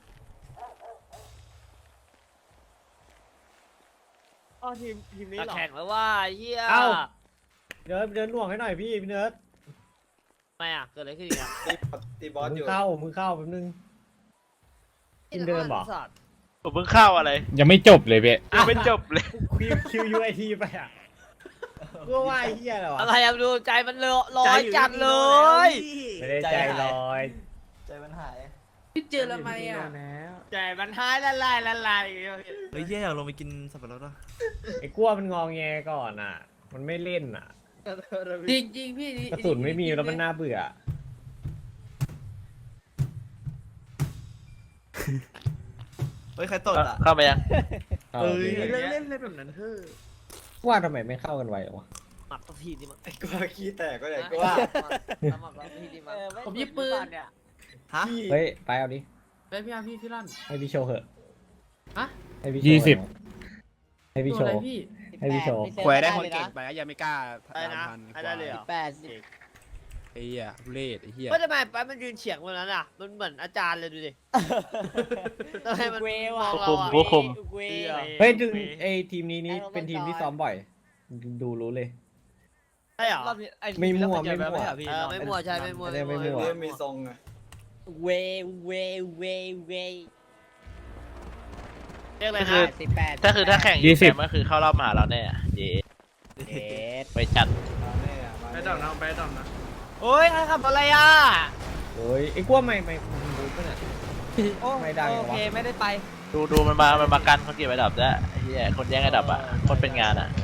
[SPEAKER 9] อ๋อทีมทีมนี้
[SPEAKER 1] จะ
[SPEAKER 9] เหรอ
[SPEAKER 1] แข่งแล้วว่าเฮีย
[SPEAKER 4] เอ้า เดินเดินหน่วงให้หน่อยพี่พี่เนิร์ด
[SPEAKER 1] ไม่อ่ะเกิดอะไรขึ้นอีกอ่ะ
[SPEAKER 8] ตีบอส
[SPEAKER 4] มึ
[SPEAKER 8] อง ยู่
[SPEAKER 4] เข้ามึงเข้าแป๊บนึง ทีมเดิมเหรอ
[SPEAKER 1] สัตว์
[SPEAKER 3] ผมเพิ่งเข้าอะไร
[SPEAKER 2] ยังไม่จบเลยเบ๊ะ
[SPEAKER 3] ยังไม่จบเลย
[SPEAKER 4] คิวคิวยูไอทีไปอ่ะก็ว่าไอ้เหี้ยเหรอวะ
[SPEAKER 1] อะไรอ่ะดูใจมันเลอะลอยจัดเลย
[SPEAKER 4] ไม่ได้ใจลอย
[SPEAKER 6] ใจมันหาย
[SPEAKER 8] พี่เจอแล้วไหมอ่ะ
[SPEAKER 9] ใจมันหายละลายละลาย
[SPEAKER 6] เฮ้ยเหี้ยอยากลงไปกินสับปะรดอ่ะ
[SPEAKER 4] ไอ้กลัวมันงองแงก่อนอ่ะ มันไม่เล่นอ่ะ
[SPEAKER 8] จริงจริงพี่
[SPEAKER 4] กระสุนไม่มีแล้วมันน่าเบื่อ
[SPEAKER 6] เฮ้ยใครตดอ่ะ
[SPEAKER 3] เข้ามายัง
[SPEAKER 4] เอา
[SPEAKER 6] เอ้ย
[SPEAKER 4] ดิ
[SPEAKER 6] เล่นเล่นเล่นแบบนั้นเฮ้ย
[SPEAKER 4] ว่าทำไมไม่เข้ากันไวหรอวะ
[SPEAKER 1] หมักสักทีดิมั้ง
[SPEAKER 8] ไอ้กลัวขี้แตกก็อย่างก็ว่า
[SPEAKER 1] หมักสักทีดิมั้ง
[SPEAKER 8] ผมยิบปืน
[SPEAKER 1] เนี่ย
[SPEAKER 6] ฮะ
[SPEAKER 4] เฮ้ยไปเอาดิ
[SPEAKER 8] ไปพี่อาพี่พี่ลั่น
[SPEAKER 4] ให้พี่โชว์เหอะ
[SPEAKER 8] ฮะ
[SPEAKER 4] ให้พี่โชว์
[SPEAKER 2] ยี่สิบ
[SPEAKER 4] ให้พี่โชว์
[SPEAKER 8] พี่
[SPEAKER 4] ให้พี่โชว์
[SPEAKER 5] แขวะได้คนเก่งไปยังไม่กล้า
[SPEAKER 1] อะไรนะ
[SPEAKER 5] พัน
[SPEAKER 1] อะไรได้เลยเหรอ
[SPEAKER 10] แปดสิบ
[SPEAKER 5] ไอ้เหี้ยทุเรศไอ้เหี้ย
[SPEAKER 1] ก็ทำไมไปมันยืนเฉียงบนนั้นอ่ะมันเหมือนอาจารย์เลยดูดิทำไมมัน
[SPEAKER 10] เว
[SPEAKER 1] ม
[SPEAKER 10] ว่ะ
[SPEAKER 1] องเราอ่ะ
[SPEAKER 3] ผู้คุม
[SPEAKER 10] เว
[SPEAKER 4] เฮ้ยดูไอทีมนี้นี่เป็นทีมที่ซ้อมบ่อย ดูรู้เลย
[SPEAKER 1] ใช่เหรอ
[SPEAKER 4] ไม่มั่วไม่มั่ว
[SPEAKER 1] เออไม่มั่วใช่ไม่มั่ว
[SPEAKER 4] ไม่ได้ไม่มั่ว
[SPEAKER 8] เริ่มมีทรงไง
[SPEAKER 10] เวเวเวเว
[SPEAKER 1] เรียกอะไร
[SPEAKER 3] ก็คื
[SPEAKER 1] นะ
[SPEAKER 3] อ
[SPEAKER 10] สิบแปด
[SPEAKER 3] ถ้าคือถ้าแข่ง
[SPEAKER 2] ยี่สิบ
[SPEAKER 3] ก็คือเข้ารอบมาหาเราแน่เย้
[SPEAKER 10] เอ็ด
[SPEAKER 3] ไปจัด
[SPEAKER 8] ไปดอกน้องไปดอกนะ
[SPEAKER 1] โอ้ยใครขับอะไรอ่ะ
[SPEAKER 4] โอ้ยไอ้กลัวไม่ไม่ไม่รู้ปะเนี่ยไม่ดังเหรอ
[SPEAKER 10] โอ
[SPEAKER 4] วะ
[SPEAKER 10] เคไม่ได้ไป
[SPEAKER 3] ดูดูมันมามันมากันเขาเก็บไอ้ดับแล้วไอ้เหี้ยคนแย่งไอ้ดับอ่ะคนเป็นงานอ่ะ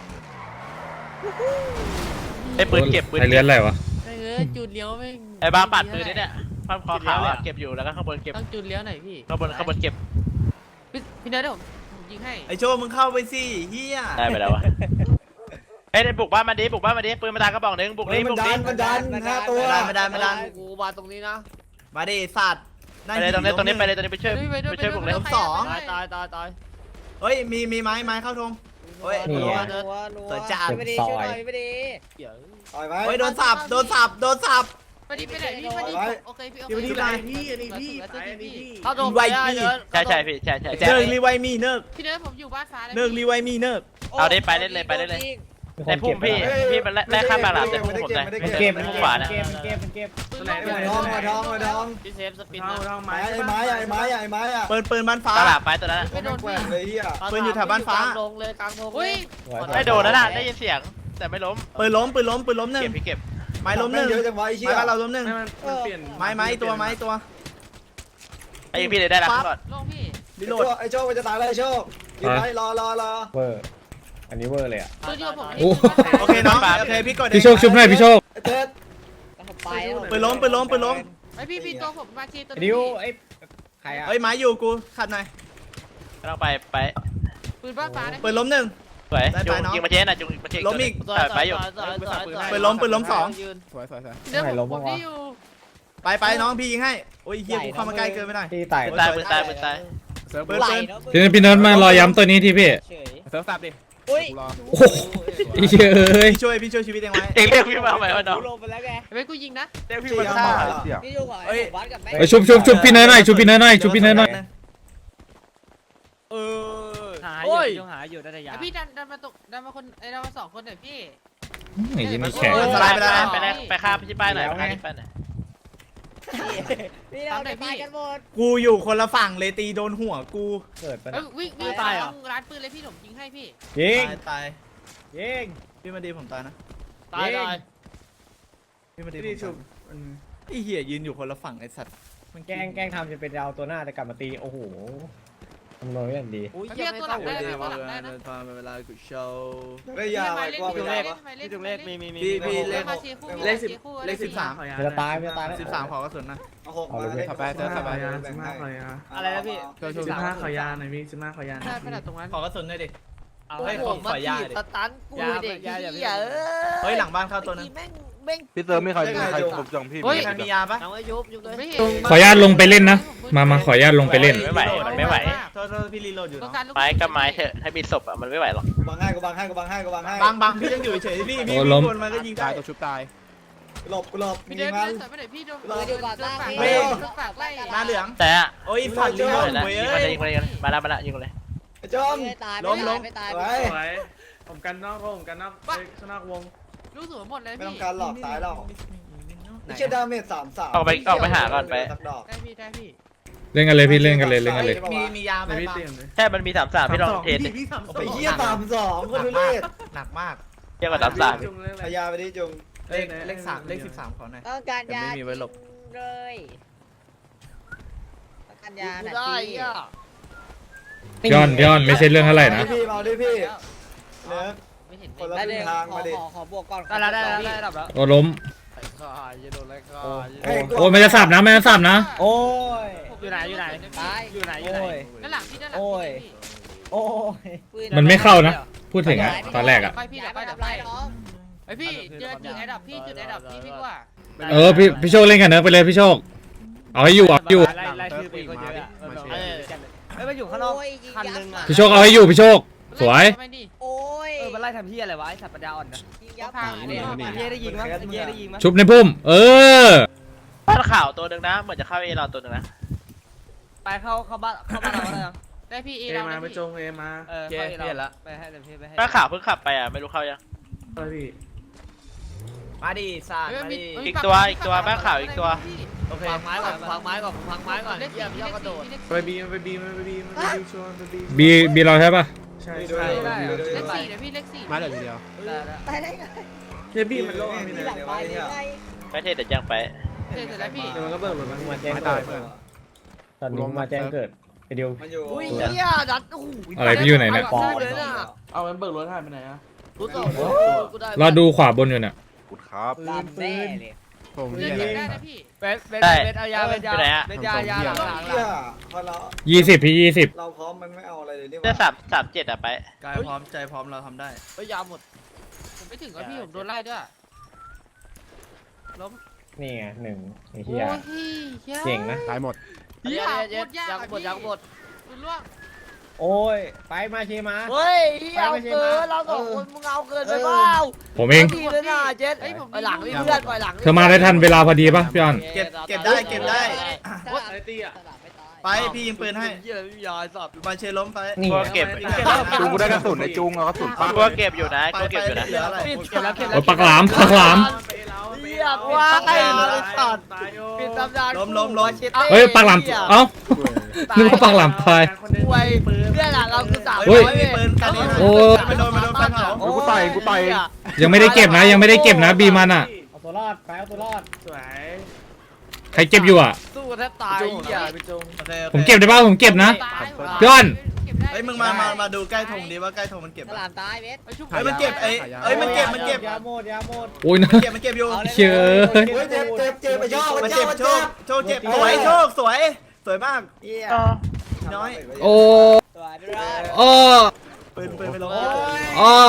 [SPEAKER 3] ไอ้ปืนเก็บปืน
[SPEAKER 2] ไอเลือนอะไรวะ
[SPEAKER 9] เออจุดเลี้ยวไม่
[SPEAKER 3] ไอ้บ้าปัดปืนนี่เนี่ยภาพคอขาวอ่ะเก็บอยู่แล้วก็ข้างบนเก็บ
[SPEAKER 9] ต้องจุดเลี้ยวหน่อยพี่
[SPEAKER 3] ข้างบนข้างบนเก็บ
[SPEAKER 9] พี่พี่เนยเดี๋ยวผมผมยิงให้
[SPEAKER 6] ไอโชว์มึงเข้าไปสิเฮีย
[SPEAKER 3] ได้ไปแล้ววะเอ้ยได้บุกบ้านมาดิบุกบ้านมาดิปืนมาตากระบอกหนึ่งบุก
[SPEAKER 8] เฮ้
[SPEAKER 3] ดิ
[SPEAKER 8] ยมัน
[SPEAKER 3] บุก
[SPEAKER 8] ดั
[SPEAKER 3] ดิ
[SPEAKER 8] นมันดันห้าตัว
[SPEAKER 6] ไม่ได้ไม่ได้ไม่ได้
[SPEAKER 1] กูมาตรงนี้นะ
[SPEAKER 6] มาดิสัตว์
[SPEAKER 3] ไปเลยตรงนี้ตรงนี้ไปเลยตรงนี้ไปช่วยไปช่วยบุกเลย
[SPEAKER 6] สอง
[SPEAKER 1] ตายตายตายตาย
[SPEAKER 6] เฮ้ยมีมีไม้ไม้เข้าธงเฮ้ย
[SPEAKER 4] นี่
[SPEAKER 10] นัว
[SPEAKER 4] ไง
[SPEAKER 10] นัวนัว
[SPEAKER 6] เปิดจาน
[SPEAKER 10] ไม่ดีช่วยหน่อยไม่ดี
[SPEAKER 1] เดี๋ยว
[SPEAKER 8] ต่อยไหม
[SPEAKER 6] เฮ้ยโดนสับโดนสับโดนสับ
[SPEAKER 9] ไปดิไปไหนพี่ไปดิ
[SPEAKER 8] ไว้
[SPEAKER 9] โอเคพี่โอ
[SPEAKER 6] เดี๋ยว
[SPEAKER 9] เค
[SPEAKER 6] นี้ไป
[SPEAKER 9] พี่อันนี้พี่อันนี้พี่
[SPEAKER 1] เข้าตรงไปได้เลย
[SPEAKER 3] ใช่ใช่พี่ใช่ใช่
[SPEAKER 6] เนิร์กรีไวมีเนิร์ก
[SPEAKER 9] พี่เนยผมอยู่บ้านฟ้าเลย
[SPEAKER 6] เนิร์กรีไวมีเนิร์ก
[SPEAKER 3] เอาดิไปเล่นเลยไปเล่นเลยในพุ่มพี่พี่มันแลกข้ามมาหลามแต่พุ่มผมได้
[SPEAKER 4] มันเก็บ
[SPEAKER 3] พุ่
[SPEAKER 4] มัน
[SPEAKER 3] ม
[SPEAKER 4] เก็บ
[SPEAKER 3] ขวา
[SPEAKER 4] มัน
[SPEAKER 3] นะ
[SPEAKER 4] เก็บมันเก็บมันเก็บ
[SPEAKER 8] ไอ้ทองไอ้ทองไอ้ทอง
[SPEAKER 1] พี่เซฟสปิน
[SPEAKER 8] ไม้
[SPEAKER 1] มา
[SPEAKER 8] ไอ้ไม้ไอ้ไม้ไอ้ไม้อะ
[SPEAKER 6] ปืนปืนบ้านฟ้า
[SPEAKER 3] ตลาดไปตัวนั้น
[SPEAKER 8] ไม่โดนแกว่งเลยเฮีย
[SPEAKER 6] ปืนอยู่แถวบ้านฟ้า
[SPEAKER 1] กลางดงเลยกลางดงเล
[SPEAKER 9] อุ้ย
[SPEAKER 1] ย
[SPEAKER 3] ไม่โดนนะน่ะได้ยินเสียงแต่ไม่ล้ม
[SPEAKER 6] ปืนล้มปืนล้มปืนล้มหนึ่ง
[SPEAKER 3] เก็บพี่เก็บ
[SPEAKER 6] ไม้ล้มหนึ่ง
[SPEAKER 8] เยอะจังวะไอ้เชี่
[SPEAKER 6] ไม้
[SPEAKER 8] ย
[SPEAKER 6] บ้านเราล้มหนึ่ง
[SPEAKER 8] มันเปลี่ยน
[SPEAKER 6] ไม้ไม้ตัวไม้ตัว
[SPEAKER 3] ไอ้พี่เลยได้แล้วก่อน
[SPEAKER 9] ลงพี่
[SPEAKER 6] รี
[SPEAKER 8] ไอ้
[SPEAKER 6] โหล
[SPEAKER 8] โช
[SPEAKER 6] ด
[SPEAKER 8] คไอ้โชคมันจะตายแล้วไอ้โชคยืนไว้รอรอรอ
[SPEAKER 4] เวอร์อันนี้เวอร์เลยอ่ะ
[SPEAKER 9] ตัวเดียวผม
[SPEAKER 2] โอ้
[SPEAKER 6] โอเคน้องโอเคพี่กด
[SPEAKER 2] พี่โชคชุบหน่อยพี่โชค
[SPEAKER 8] ไอ้เต๊ด
[SPEAKER 10] ไปแล้ว
[SPEAKER 6] ปืนล้มปืนล้มปืนล้ม
[SPEAKER 9] ไอพี่พี่ตัวผมมาชีตัว
[SPEAKER 4] ไอ้ดิวไอ้ใครอ่ะ
[SPEAKER 6] เฮ้ยไม้อยู่กูขัดหน่อย
[SPEAKER 3] กำลังไปไป
[SPEAKER 9] ปืนบ้านฟ้านะ
[SPEAKER 6] ปืนล้มหนึ่ง
[SPEAKER 3] สวย
[SPEAKER 6] ได้
[SPEAKER 3] จุ
[SPEAKER 6] ไป
[SPEAKER 3] ง
[SPEAKER 6] น้อง
[SPEAKER 3] ยิงมาเชนน่ะจุงมาเชน
[SPEAKER 6] ล้มอีก
[SPEAKER 3] ไปอยู่
[SPEAKER 6] ปืนล้มปืนล้มสอง
[SPEAKER 1] ยืน
[SPEAKER 5] สวยสวยสวย
[SPEAKER 9] พี่เนยผมผมที่อยู่
[SPEAKER 6] ไปไปน้องพี่ยิงให้โอ้ยเฮียกูเข้ามาใกล้เกินไปหน่อย
[SPEAKER 4] ที่ตาย
[SPEAKER 3] ปืนตายปืนตายปืนตาย
[SPEAKER 5] เซิร์ฟ
[SPEAKER 6] ปื
[SPEAKER 5] เบิ
[SPEAKER 6] น
[SPEAKER 5] ร์ด
[SPEAKER 6] ปืน
[SPEAKER 2] พี่พี่เนิร์ดมารอย้ำตัวนี้ที่พี่
[SPEAKER 10] เฉย
[SPEAKER 5] เซิร์ฟสับดิ
[SPEAKER 10] อุ้ย
[SPEAKER 5] กูรอ
[SPEAKER 2] โอ้โหไอ้เหี้ยเอ้ย
[SPEAKER 6] พี่ช่วยพี่ช่วยชีวิตเองไว้
[SPEAKER 3] เองเรียกพี่มาใหม่วะน้อง
[SPEAKER 10] ลงไปแล้วแก
[SPEAKER 9] ไอ้กูยิงนะ
[SPEAKER 3] เรียกพี่มาฆ่า
[SPEAKER 10] นี่อยู่กับไอ้วัดกับแม่
[SPEAKER 2] ไปชุบชุบชุบพี่เนิร์ดหน่อยชุบพี่เนิร์ดหน่อยชุบพี่เนิร์ดหน่อย
[SPEAKER 1] เออ
[SPEAKER 10] หาอยู่ยังหาอยู่ได้แต่ยา
[SPEAKER 9] ไอพี่ดันดันมาตกดันมาคนไอดันมาสองคนหน่อยพี่
[SPEAKER 2] ไอ้ยี่นี่แข็ง
[SPEAKER 6] สไลด์ไปแล้วนะ
[SPEAKER 3] ไปได้ไปฆ่าพี่ป้ายหน่อยไปฆ่าพี่ป้ายหน่อย
[SPEAKER 10] นี่เราจะตายกันหมด
[SPEAKER 6] กูอยู่คนละฝั่งเลยตีโดนหัวกู
[SPEAKER 4] เกิดปะ
[SPEAKER 9] เอ้
[SPEAKER 4] เนี่ย
[SPEAKER 9] ยวิ่งวิ่ง
[SPEAKER 10] ตายเหรอ
[SPEAKER 9] ร้านปืนเลยพี่ผมยิงให้พี่
[SPEAKER 4] ยิง
[SPEAKER 6] ตายตาย
[SPEAKER 4] ยิง
[SPEAKER 6] พี่มาดีผมตายนะ
[SPEAKER 1] ตายตาย
[SPEAKER 6] พี่มาดีผมตายไอ้เหี้ยยืนอยู่คนละฝั่งไอ้สัตว์มัน
[SPEAKER 4] แกล้งแกล้งทำจะเป็นดาวตัวหน้าแต่กลับมาตีโอ้โหทำนอยอย่างดี
[SPEAKER 1] อุ้ย
[SPEAKER 9] เฮียตัวหลังได้นะ
[SPEAKER 6] เว
[SPEAKER 9] ตัวหลังได้
[SPEAKER 6] ลา
[SPEAKER 9] นะ
[SPEAKER 6] ทำเวลากูโชว์
[SPEAKER 8] ได้ยาไว้กว่าไป
[SPEAKER 9] พี่
[SPEAKER 8] ได้
[SPEAKER 9] เล่
[SPEAKER 8] ปะ
[SPEAKER 9] นพี่จุงเลขมีมีมี
[SPEAKER 6] พี่พี่เลข
[SPEAKER 9] มาเชียร์คู่
[SPEAKER 6] เลขสิบ
[SPEAKER 9] คู่
[SPEAKER 6] เลขสิบสาม
[SPEAKER 4] มันจะตายมันจะตายแล้ว
[SPEAKER 6] สิบสามขอกระสุนนะ
[SPEAKER 8] เอาหกมา
[SPEAKER 5] ขับไปเซิร์ฟขับไป
[SPEAKER 1] อะไรนะพี่
[SPEAKER 5] ช่วยช่วย
[SPEAKER 8] สิบห้าขอยาหน่อยพี่สิบห้าขอยา
[SPEAKER 9] ใช่ขนาดตรงนั้น
[SPEAKER 6] ขอกระสุนหน่อยดิ
[SPEAKER 1] เอา
[SPEAKER 6] เฮ้ย
[SPEAKER 1] ผมมา
[SPEAKER 6] ขอยา
[SPEAKER 1] ถีบ
[SPEAKER 6] ดิ
[SPEAKER 1] สตันกูเด็กเหี้ยเอ้ย
[SPEAKER 6] เฮ้ยหลังบ้านเข้าตัวนึง
[SPEAKER 1] แม่งแม่ง
[SPEAKER 7] พี่เติมไม่ใครมีใครผมจังพี่
[SPEAKER 6] ใครมียาปะ
[SPEAKER 1] เอาไว้ยุบยุบเลย
[SPEAKER 9] ไม่เห็น
[SPEAKER 2] ขออนุญาตลงไปเล่นนะ มามาขออนุญาตลงไปเล่น
[SPEAKER 3] ไม่ไหวมันไม่ไหว
[SPEAKER 6] โทษโทษพี่รีโหลดอยู่
[SPEAKER 9] ต้อง
[SPEAKER 6] เนาะ
[SPEAKER 9] การลูก
[SPEAKER 3] ไม้ก็ไม้เถอะให้มีศพอ่ะมันไม่ไหวหรอก
[SPEAKER 8] บังให้กูบังให้กูบังให้กูบังให้
[SPEAKER 6] บางบางพี่ยังอยู่เฉยๆพี่พี่
[SPEAKER 2] โอ้
[SPEAKER 6] พี่
[SPEAKER 2] ล้ม
[SPEAKER 6] คนมันก็ยิง
[SPEAKER 5] ตา
[SPEAKER 6] ได้
[SPEAKER 5] ยตัวชุบตาย
[SPEAKER 8] หลบกูหลบมี
[SPEAKER 9] พี่เดิน
[SPEAKER 8] มัน
[SPEAKER 9] เดินสายไปไหนพี่โดน
[SPEAKER 10] เอออยู่ก่อนตั้ง
[SPEAKER 9] ฝาก
[SPEAKER 10] พี่
[SPEAKER 9] ฝากไล่
[SPEAKER 6] หน้าเหลือง
[SPEAKER 3] แต่อะ
[SPEAKER 6] โอ้ยฝันรีโหลด
[SPEAKER 3] นะ
[SPEAKER 6] เว้ย
[SPEAKER 3] ยิงมาเลยยิงมาเลยมาแล้วมาแล้วยิงมาเลย
[SPEAKER 8] ไอ้จอม
[SPEAKER 10] ไม่ตาย
[SPEAKER 6] ล้มล้ม
[SPEAKER 10] ไม่ตาย
[SPEAKER 8] ไว้
[SPEAKER 10] ไม่ตาย
[SPEAKER 8] ผมกันนอกผมกันนอกชนะวง
[SPEAKER 9] ลูกสวนหมดเลย
[SPEAKER 8] ไม่
[SPEAKER 9] พี่
[SPEAKER 8] ต้องการหลอกตายแล้วไม่ใช่ดาเมจสามสาม
[SPEAKER 3] ออกไปออกไปหาก่อนไป
[SPEAKER 9] ได้พี่ได้พี่
[SPEAKER 2] เล่นกันเลยพี่เล่นกันเลยเล่นกันเลย
[SPEAKER 6] มีมียาไหมบ้าง
[SPEAKER 3] แค่มันมีสามสามพี่ลองเทสดิ
[SPEAKER 8] ไอ้เหี้ยสามสองคนทุเรศ
[SPEAKER 6] หนักมาก
[SPEAKER 3] เทียบกับสามสาม
[SPEAKER 8] พยาไปดิจุง
[SPEAKER 6] เลขเลขสามเลขสิบสามขอหน่อย
[SPEAKER 10] ต้องการยา
[SPEAKER 6] แต่ไม่มีไว้หลบ
[SPEAKER 10] เลยต้องการยา
[SPEAKER 1] กู
[SPEAKER 10] หน่
[SPEAKER 1] ได้
[SPEAKER 10] อย
[SPEAKER 1] อ่ะ
[SPEAKER 2] พี่อ้อนพี่อ้อนไม่ใช่เรื่องเท่าไหร่นะ
[SPEAKER 8] พี่มาดิพี่เนื้อ
[SPEAKER 9] ไม่เห็น
[SPEAKER 8] คนละ
[SPEAKER 10] ได้
[SPEAKER 8] ค
[SPEAKER 10] เล
[SPEAKER 8] รึ่
[SPEAKER 10] ย
[SPEAKER 8] งทาง
[SPEAKER 10] ขอ
[SPEAKER 8] มาดิ
[SPEAKER 10] ขอขอบวกก่อน
[SPEAKER 1] ได้แล้วได้แล้วได้ระดับแล้ว
[SPEAKER 2] โอ้ล้ม
[SPEAKER 1] ไอ้ข้าอย่าโดนไล่ข้า
[SPEAKER 2] โอ้มันจะสับนะมันจะสับนะ
[SPEAKER 4] โอ้ย
[SPEAKER 1] อยู่ไหนอยู่ไหน
[SPEAKER 10] ตาย
[SPEAKER 1] อยู่ไหนอยู่ไหน
[SPEAKER 4] โอ้ย
[SPEAKER 9] ด้านหลังพี่ด้านหลัง
[SPEAKER 4] โอ้ย
[SPEAKER 9] พี่
[SPEAKER 4] โอ้ย
[SPEAKER 10] ปืน
[SPEAKER 2] มันไม่เข้านะ พูดถึงอะตอนแรกอะ
[SPEAKER 9] ไปพี่เดี๋ยวไปเดี๋ยว
[SPEAKER 10] ไป
[SPEAKER 9] ไป
[SPEAKER 10] น้อง
[SPEAKER 9] ไอพี่เจอจุดไอ้ดับพี่จุดไอ้ดับพี่พี่ว่า
[SPEAKER 2] เออพี่พี่โชคเล่นกันเนอะไปเลยพี่โชค เอาให้อยู่เอาให้อยู่
[SPEAKER 1] ไล่ไล่ชื่อปีคนเยอะอะ
[SPEAKER 5] มาเชีย
[SPEAKER 1] เอ
[SPEAKER 5] ร์
[SPEAKER 1] อไม่มาอยู่ข้างนอก
[SPEAKER 10] โอ้ยยิง
[SPEAKER 1] คัน
[SPEAKER 10] ยั
[SPEAKER 1] หนึงอ่ะ
[SPEAKER 2] พี่โชคเอาให้อยู่พี่โชค สวย
[SPEAKER 10] โอ้ย
[SPEAKER 9] ล่ทำที่อะไรวะไอ้สัตว์ปัญญาอ่อนนะ
[SPEAKER 10] ยิงยับผ่าน
[SPEAKER 9] ไอ้เหี้ยได้ยิงมั้ยไอ้เหี้ยได้ยิงมั้ย
[SPEAKER 2] ชุบในพุ่มเออ
[SPEAKER 3] บ้านข่าวตัวหนึ่งนะเหมือนจะเข้าเอเราตัวหนึ่งนะ
[SPEAKER 9] ไปเข้าเข้าบ้านเข้าบ้านเราได้ยัง
[SPEAKER 6] ได้พี่เอเรามาไปจงเอมา
[SPEAKER 9] เออเข้าเอเราไปให้เต็มที่ไปให้
[SPEAKER 3] บ้านข่าวเพิ่งขับไปอ่ะไม่รู้เข้ายัง
[SPEAKER 6] มาดิสาดมาดิ
[SPEAKER 3] อีกตัวอีกตัวบ้านข่าวอีกตัว
[SPEAKER 6] โอเค
[SPEAKER 1] พังไม้ก่อนพังไม้ก่อนพังไม้ก่อนเยี่ยมยอดกระโดด
[SPEAKER 4] ไปบีมันไปบีมันไปบีมันไปบีชวนไปบี
[SPEAKER 2] บีบีเราใช่ปะ
[SPEAKER 4] ใช่
[SPEAKER 8] ด้วย
[SPEAKER 4] ใช่
[SPEAKER 8] ด้วย
[SPEAKER 9] เล
[SPEAKER 8] ด้วย
[SPEAKER 9] ขสี่เดี๋ยวพี่เลขสี่
[SPEAKER 5] มาเหลือทีเดียว
[SPEAKER 10] ตายได้ไง
[SPEAKER 4] เจบีมันโล่ง
[SPEAKER 10] มีหลังไปยังไง
[SPEAKER 3] ไปเทศเดี๋ยวยังไป
[SPEAKER 9] เสร็จแล้วพี่
[SPEAKER 4] เดี๋ยวมันก็เบิกรถมันมาแจ้ง
[SPEAKER 5] ไม่
[SPEAKER 4] เกิ
[SPEAKER 5] ตาย
[SPEAKER 4] ด
[SPEAKER 5] เพื่อน
[SPEAKER 4] ตอนนี้มาแจ้งเกิดไอเดียว
[SPEAKER 8] มันอยู่
[SPEAKER 1] อุ้ยเหี้ยดัดโอ้โห
[SPEAKER 2] อะไรพี่อยู่ไหนเนี่ย
[SPEAKER 1] เอาเลยน่ะ
[SPEAKER 6] เอามันเบิกรถหายไปไหนอะ
[SPEAKER 1] รู้ตัวกูได้
[SPEAKER 2] เราดูขวาบนอยู่เนี่ย
[SPEAKER 7] ขุดครับ
[SPEAKER 10] ลามแน่เลย
[SPEAKER 5] ผม
[SPEAKER 9] เล่
[SPEAKER 5] เฮี
[SPEAKER 9] น
[SPEAKER 5] ย
[SPEAKER 9] ได้นะพี่เบสเบส
[SPEAKER 3] ได้
[SPEAKER 9] เบสเอายาเบสยา
[SPEAKER 3] ไปไหนอะ
[SPEAKER 9] เบสยายาหลังหลัง
[SPEAKER 8] เหี้ยพอเรา
[SPEAKER 2] ยี่สิบพี่ยี่สิบ
[SPEAKER 8] เราพร้อมมันไม่เอาอะไรเลยนี่ห
[SPEAKER 3] เสื้อ
[SPEAKER 8] ว่า
[SPEAKER 3] สามสามเจ็ดอ่ะไป
[SPEAKER 6] กายพร้อมใจพร้อมเราทำได้
[SPEAKER 1] เฮ้ยยาหมด
[SPEAKER 9] ผมไม่ถึงกับพี่ผมโดนไล่ด้วยล้ม
[SPEAKER 4] นี่ไงหนึ่งไอ้เหี้ย
[SPEAKER 9] โอ้ยเ
[SPEAKER 4] เก่งนะ
[SPEAKER 5] ตายหมด
[SPEAKER 1] เหี้ยเย็ดยาหมดยาหมด
[SPEAKER 9] คุณล่วง
[SPEAKER 4] โอ้ยไปมาเชมา
[SPEAKER 1] เฮ้ยเอาเกินเราสองคนมึงเอาเกินไปเปล่า
[SPEAKER 2] ผมเอง
[SPEAKER 1] ดีเลยนะเจ็ดไปหลังนี่เพื่อนไปหลัง
[SPEAKER 2] เธอมาได้ทันเวลาพอดีปะพี่ออน
[SPEAKER 6] เก็บเก็บได้เก็บได้
[SPEAKER 10] ไอ้ตีอ่ะ
[SPEAKER 6] ไปพี่ยิงปืนให้
[SPEAKER 1] เหี้ยพี่ยาสอบ
[SPEAKER 6] มาเชล้มไป
[SPEAKER 4] นี่
[SPEAKER 3] ตัวเก็บ
[SPEAKER 7] จุงกูได้กระสุนในจุงเอากระสุนปัก
[SPEAKER 3] ตัวเก็บอยู่นะ
[SPEAKER 6] ไป
[SPEAKER 3] ตัว
[SPEAKER 6] ไป
[SPEAKER 3] เก็บอยู่นะ
[SPEAKER 6] เหลืออะไร
[SPEAKER 9] เก็บแล้วเก็บแล้
[SPEAKER 2] โอ้
[SPEAKER 9] วย
[SPEAKER 2] ปักหลามปักหลาม
[SPEAKER 1] เรียกว่าไอ้สัตว์ปิดตำนาน
[SPEAKER 6] ล้มล้มล้ม
[SPEAKER 2] เฮ้ยปักหลามเอ้านึกว่าปักหลามตาย
[SPEAKER 1] ป่วยเนี่ยแหละเราคือสาม
[SPEAKER 2] เฮ้ย
[SPEAKER 6] มีปืนกันนี้
[SPEAKER 2] โอ้
[SPEAKER 6] ไปโดนไปโดนไฟเผา
[SPEAKER 7] เฮ้ยกูต่อยกูต่อย
[SPEAKER 2] ยังไม่ได้เก็บนะยังไม่ได้เก็บนะบีมันอ่ะ
[SPEAKER 4] เอาตัวรอดไปเอาตัวรอด
[SPEAKER 6] สวย
[SPEAKER 2] ใครเก็บอยู่อ่ะ
[SPEAKER 1] สู้แทบตายอ่ะ
[SPEAKER 6] โอเคโอเค
[SPEAKER 2] ผมเก็บได้ป่ะผมเก็บนะ พี่อ้อน
[SPEAKER 6] เฮ้ยมึงมามามาดูใกล้ธงดิว่าใกล้ธงมันเก็บ
[SPEAKER 10] ส
[SPEAKER 6] อะ
[SPEAKER 10] ลามตายเบส
[SPEAKER 6] เฮ้ยมันเก็บไอ้เอ้ยมันเก็บมันเก็บ
[SPEAKER 4] ยาโมดยาโมด
[SPEAKER 2] โอ้ยนะ
[SPEAKER 6] มันเก็บมันเก็บอยู่
[SPEAKER 2] เชื่อ
[SPEAKER 8] เฮ้ยเจ็บเจ็บเจ็บไปย่อ
[SPEAKER 6] มัน
[SPEAKER 8] มัน
[SPEAKER 6] เจ็
[SPEAKER 8] เจ็
[SPEAKER 6] บบ โช
[SPEAKER 8] โช
[SPEAKER 6] ค
[SPEAKER 8] ค
[SPEAKER 6] โชคเจ็บสวยโชคสวยสวยมาก
[SPEAKER 8] เหี้ย
[SPEAKER 6] น้อย
[SPEAKER 2] โอ้
[SPEAKER 10] ตัวด้วย
[SPEAKER 2] โอ้
[SPEAKER 6] ปืนปืนไปลง
[SPEAKER 2] โอ้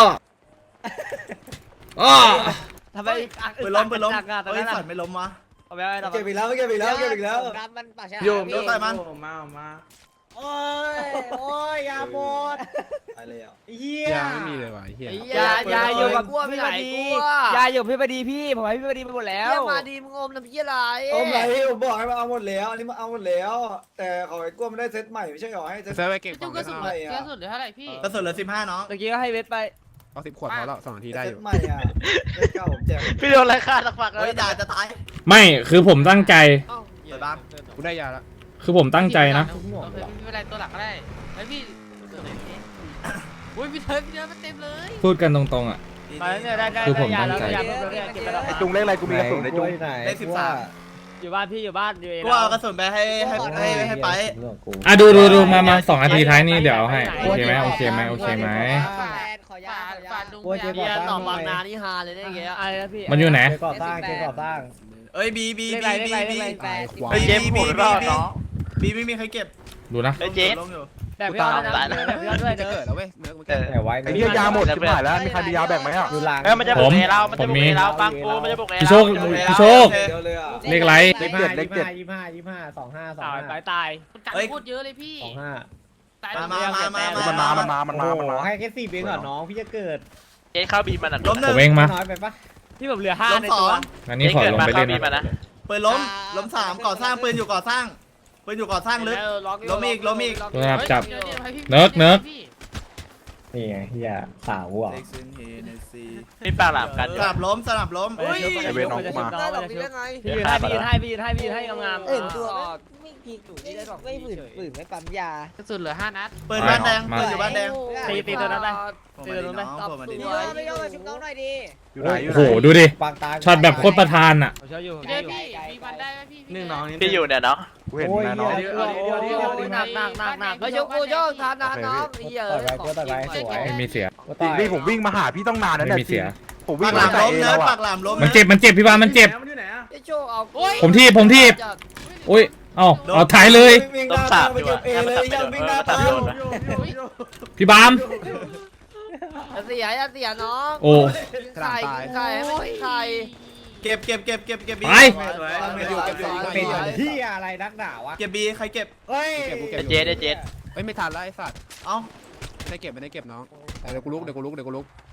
[SPEAKER 2] โอ้
[SPEAKER 9] ทำไม
[SPEAKER 6] ปืนล้มปืนล้ม
[SPEAKER 9] หนักอ่ะตอน
[SPEAKER 6] เฮ้ย
[SPEAKER 9] นั้น
[SPEAKER 6] สัตว์ไม่ล้มวะ
[SPEAKER 9] เอาไปไว้ทำไม
[SPEAKER 8] เจ็บอีกแล้วเจ็บอีกแล้วเจ็บอีกแล้ว
[SPEAKER 10] ดำมันปากฉลาม
[SPEAKER 6] โยมใส่มัน
[SPEAKER 4] โอ้ยโอ้ยยาโมด
[SPEAKER 8] ตายเลยอ่ะ
[SPEAKER 4] เหี้ย
[SPEAKER 5] ยาไม่มีเลยว่ะเฮีย
[SPEAKER 9] ยายาอยู่กับ
[SPEAKER 1] กลัวไม่
[SPEAKER 9] พี่
[SPEAKER 1] ไห
[SPEAKER 9] บ
[SPEAKER 1] น
[SPEAKER 9] ดี
[SPEAKER 1] กลัวย
[SPEAKER 9] าอยู่พี่บดีพี่ผมให้พี่บดีไปหมดแล้ว
[SPEAKER 1] เหี้ยมาดีมึงอมน้ำพี่อะไร
[SPEAKER 8] โอ้ยผมบอกให้มาเอาหมดแล้วอันนี้มาเอาหมดแล้ว แต่ขอไอ้กลัวมันได้เซตใหม่ไม่ใช่หรอให้เซต
[SPEAKER 5] เซิร์ฟไปเก็บข
[SPEAKER 9] จุ
[SPEAKER 5] อก ง
[SPEAKER 9] กระสุน
[SPEAKER 8] ใหม่อะ
[SPEAKER 9] กระสุนเหลือเท่าไหร่พี่
[SPEAKER 6] กระสุนเหลือสิบห้าน้อง
[SPEAKER 9] เมื่อกี้ก็ให้เวทไป
[SPEAKER 5] เอาสิบขวดพอแล้วสองนาทีได้
[SPEAKER 8] เซ
[SPEAKER 5] อ
[SPEAKER 8] ต
[SPEAKER 5] ยู่
[SPEAKER 8] ใหม่อ่ะเซตเก่าผมแจก
[SPEAKER 3] พี่โดนอะไรฆ่าสักพักแล้ว
[SPEAKER 6] เฮ้ยด่าจะตาย
[SPEAKER 2] ไม่คือผมตั้งใจ
[SPEAKER 6] สวยบ้าง
[SPEAKER 5] กูได้ยาแล้ว
[SPEAKER 2] คือผมตั้งใจนะ
[SPEAKER 9] โอเคพี่เป็นไรตัวหลักก็ได้ไอพี่อุ้ยพี่เทิร์นพี่เทิร์นมันเต็มเลย
[SPEAKER 2] พูดกันตรงๆอ่ะ
[SPEAKER 9] มาแล้วเนี่ยได้ได้
[SPEAKER 2] คือผม
[SPEAKER 9] ยาแล้ว
[SPEAKER 2] ตั้งใจ
[SPEAKER 9] ยาแล้วเนี่ยเก็บไปแล้ว
[SPEAKER 7] ไอ้จุงเลขอะไรกูมีกระสุนในจุง
[SPEAKER 4] ไหน
[SPEAKER 6] เลขสิบสาม
[SPEAKER 9] อยู่บ้านพี่อยู่บ้านอยู่เอง
[SPEAKER 6] กูเอากระสุนไปให้ให้ให้ให้ไป
[SPEAKER 2] อ่ะดูดูดูมามาสองนาทีท้ายนี่เดี๋ยวเอาให้โอเคไหมโอเคไหมโอเคไหม
[SPEAKER 10] แฟนขอยา
[SPEAKER 9] ฝา
[SPEAKER 10] ขอยา
[SPEAKER 9] ฝาดุง
[SPEAKER 1] เหี้ยตอบบางนานี่ฮาเลยได้ไง
[SPEAKER 9] อะไรนะพี่
[SPEAKER 2] มันอยู่ไหน
[SPEAKER 4] เกก่อสร้างเกก่อสร้าง
[SPEAKER 6] เอ้ยบีบี
[SPEAKER 9] เลข
[SPEAKER 6] บี
[SPEAKER 9] อะไรเล
[SPEAKER 6] บี
[SPEAKER 9] ขอะไรเล
[SPEAKER 6] บี
[SPEAKER 9] ขอะไร
[SPEAKER 5] ขวา
[SPEAKER 6] เฮ้ย
[SPEAKER 3] เจมส์หมดรอบเนาะ
[SPEAKER 6] บีไม่มีใครเก็บ
[SPEAKER 2] ดูนะ
[SPEAKER 3] ไอ้เจ๊
[SPEAKER 6] ล้มอยู่
[SPEAKER 9] แต่พี่เอานะแต่พี่เอาด้วย
[SPEAKER 5] จะ
[SPEAKER 9] เด้อ
[SPEAKER 5] เกิดแล้วเว้ยเนื้อมัน
[SPEAKER 3] เอ
[SPEAKER 5] เกิด
[SPEAKER 3] อ
[SPEAKER 4] แต่ไว้
[SPEAKER 7] ไอ้เนี่ยยาหมดชิบหายแล้วมีใครมียาแบ่งไหมอ่ะ
[SPEAKER 4] อยู่หลัง
[SPEAKER 3] เอ้ยมันจะบุกเอเรามันจะบุกเอเราฟังกูมันจะบุกเอเรา
[SPEAKER 2] พี่โชคพี่โชค
[SPEAKER 8] เดียวเลยอ่ะ
[SPEAKER 2] เลขไร
[SPEAKER 4] เลขเจ็ดเลขเจ็ดยี่ห้ายี่ห้าสองห้าสอง
[SPEAKER 9] ตาย
[SPEAKER 4] ห้า
[SPEAKER 9] ตายตายพูดเยอะเลยพี่
[SPEAKER 4] สองห้า
[SPEAKER 9] ตาย
[SPEAKER 6] มามามามา
[SPEAKER 7] มันมามันมามัน
[SPEAKER 4] โอ้
[SPEAKER 7] มา
[SPEAKER 4] โห
[SPEAKER 7] มันมา
[SPEAKER 4] ให้แค่สี่เบงก่อนน้องพี่จะเกิด
[SPEAKER 3] เจ๊เข้าบีมันอ่ะ
[SPEAKER 6] ล้มหนึ่
[SPEAKER 2] ผ
[SPEAKER 6] ง
[SPEAKER 2] มเองมา
[SPEAKER 4] น้อยไปปะ
[SPEAKER 9] พี่ผมเหลือห้า
[SPEAKER 6] ล้ม
[SPEAKER 9] ใน
[SPEAKER 6] สอ
[SPEAKER 9] ตัว
[SPEAKER 6] ง
[SPEAKER 2] อันนี้ขอลงไปเล่น
[SPEAKER 3] เข้าบีมัน
[SPEAKER 2] นะ
[SPEAKER 3] นะ
[SPEAKER 6] ปืนล้มล้มสามก่อสร้างปืนอยู่ก่อสร้างปืนอยู่ก่อสร้างลึก ล้มอีกล้มอีก
[SPEAKER 2] ครับจับ เนิร์กเนิร์ก
[SPEAKER 4] นี่ไงเฮียสาวอ่ะ
[SPEAKER 3] พี่ปากหลามกัน
[SPEAKER 6] สลับล้มสลับล้ม
[SPEAKER 9] เฮ้ย
[SPEAKER 7] ไอเวนน้องกูมา
[SPEAKER 1] ได้หรอกพี่ได้ไง
[SPEAKER 9] พี่ยืนให้พี่ยืนให้พี่ยืนให้พี่ยืนให้งามๆ
[SPEAKER 10] เอ็นตัวไม่พีกไม่ไม่ฝืนฝืนไม่ปั๊มยาก
[SPEAKER 9] ระสุนเหลือห้านัด
[SPEAKER 6] ปืนบ้านแดงปืนอยู่บ้านแดง
[SPEAKER 9] ตีตีตัวนั้นไป
[SPEAKER 6] ผมมาดีน้องผมมาดี
[SPEAKER 10] พี่โยไม่โยมาชุบน้องหน่อยดิ
[SPEAKER 7] อยู่ไหนอยู่
[SPEAKER 2] โอ้
[SPEAKER 7] ไหน
[SPEAKER 2] โหดูดิ
[SPEAKER 4] ปางตา
[SPEAKER 2] ช็อตแบบโคตรประธานอ่ะ
[SPEAKER 9] ผมเชื่ออยู่ผม
[SPEAKER 10] เดี๋
[SPEAKER 9] เชื่
[SPEAKER 10] ย
[SPEAKER 9] อ
[SPEAKER 10] ว
[SPEAKER 9] อยู่
[SPEAKER 10] พี่มีมันได้ไหมพี่
[SPEAKER 5] หนึ่งน้องนี่
[SPEAKER 3] พี่อยู่เนี่ยเนาะ
[SPEAKER 7] กูเห็นแม่น้อง
[SPEAKER 4] เดี๋ยวเดี๋ยวเดี๋ยวเดี๋ยว
[SPEAKER 1] หนักหนักหนักหนักเฮ้ยโชกูโชคทานทานน้องเหี้ย
[SPEAKER 2] ไม่มีเสีย
[SPEAKER 7] จริงนี่ผมวิ่งมาหาพี่ต้องนานแล้ว
[SPEAKER 2] ไม่
[SPEAKER 7] เนี่ย
[SPEAKER 2] มีเสีย
[SPEAKER 7] ผมวิ่
[SPEAKER 6] ปาง กห
[SPEAKER 7] มา
[SPEAKER 6] ลาม
[SPEAKER 7] แต่
[SPEAKER 6] ล้ม
[SPEAKER 7] เอ
[SPEAKER 6] เนิร์ด
[SPEAKER 7] แล้ว
[SPEAKER 6] ปา
[SPEAKER 7] อ่ะ
[SPEAKER 6] กหลามล้ม
[SPEAKER 2] มันเจ็บมันเจ็บพี่บามันเจ็บ
[SPEAKER 1] ไอ้โชคเอา
[SPEAKER 2] ผมทีบผมทีบโอ้ยเอาเอาถ่ายเลย
[SPEAKER 8] วิ่งหน้าตามไปเก็บเอเลยยังวิ่งหน้าตาม
[SPEAKER 2] พี่บาม
[SPEAKER 1] อย่าเสียอย่าเสียน้อง
[SPEAKER 2] โอ้
[SPEAKER 1] ไข่ไข่ให้มันไข่
[SPEAKER 6] เก็บเก็บเก็บเก็บเก็บบี
[SPEAKER 2] ไป
[SPEAKER 4] เป็นเฮียอะไรนักหนาวะ
[SPEAKER 6] เก็บบีใครเก็บ
[SPEAKER 4] เฮ้ย
[SPEAKER 5] เก็บกูเก็บ
[SPEAKER 3] ไอ้เจ๊ไอ้เจ๊
[SPEAKER 5] เฮ้ยไม่ทันแล้วไอ้สัตว์
[SPEAKER 6] เอ้า
[SPEAKER 5] ไม่ได้เก็บไม่ได้เก็บน้องแต่เดี๋ยวกูลุกเดี๋ยวกูลุกเดี๋ยวกูลุก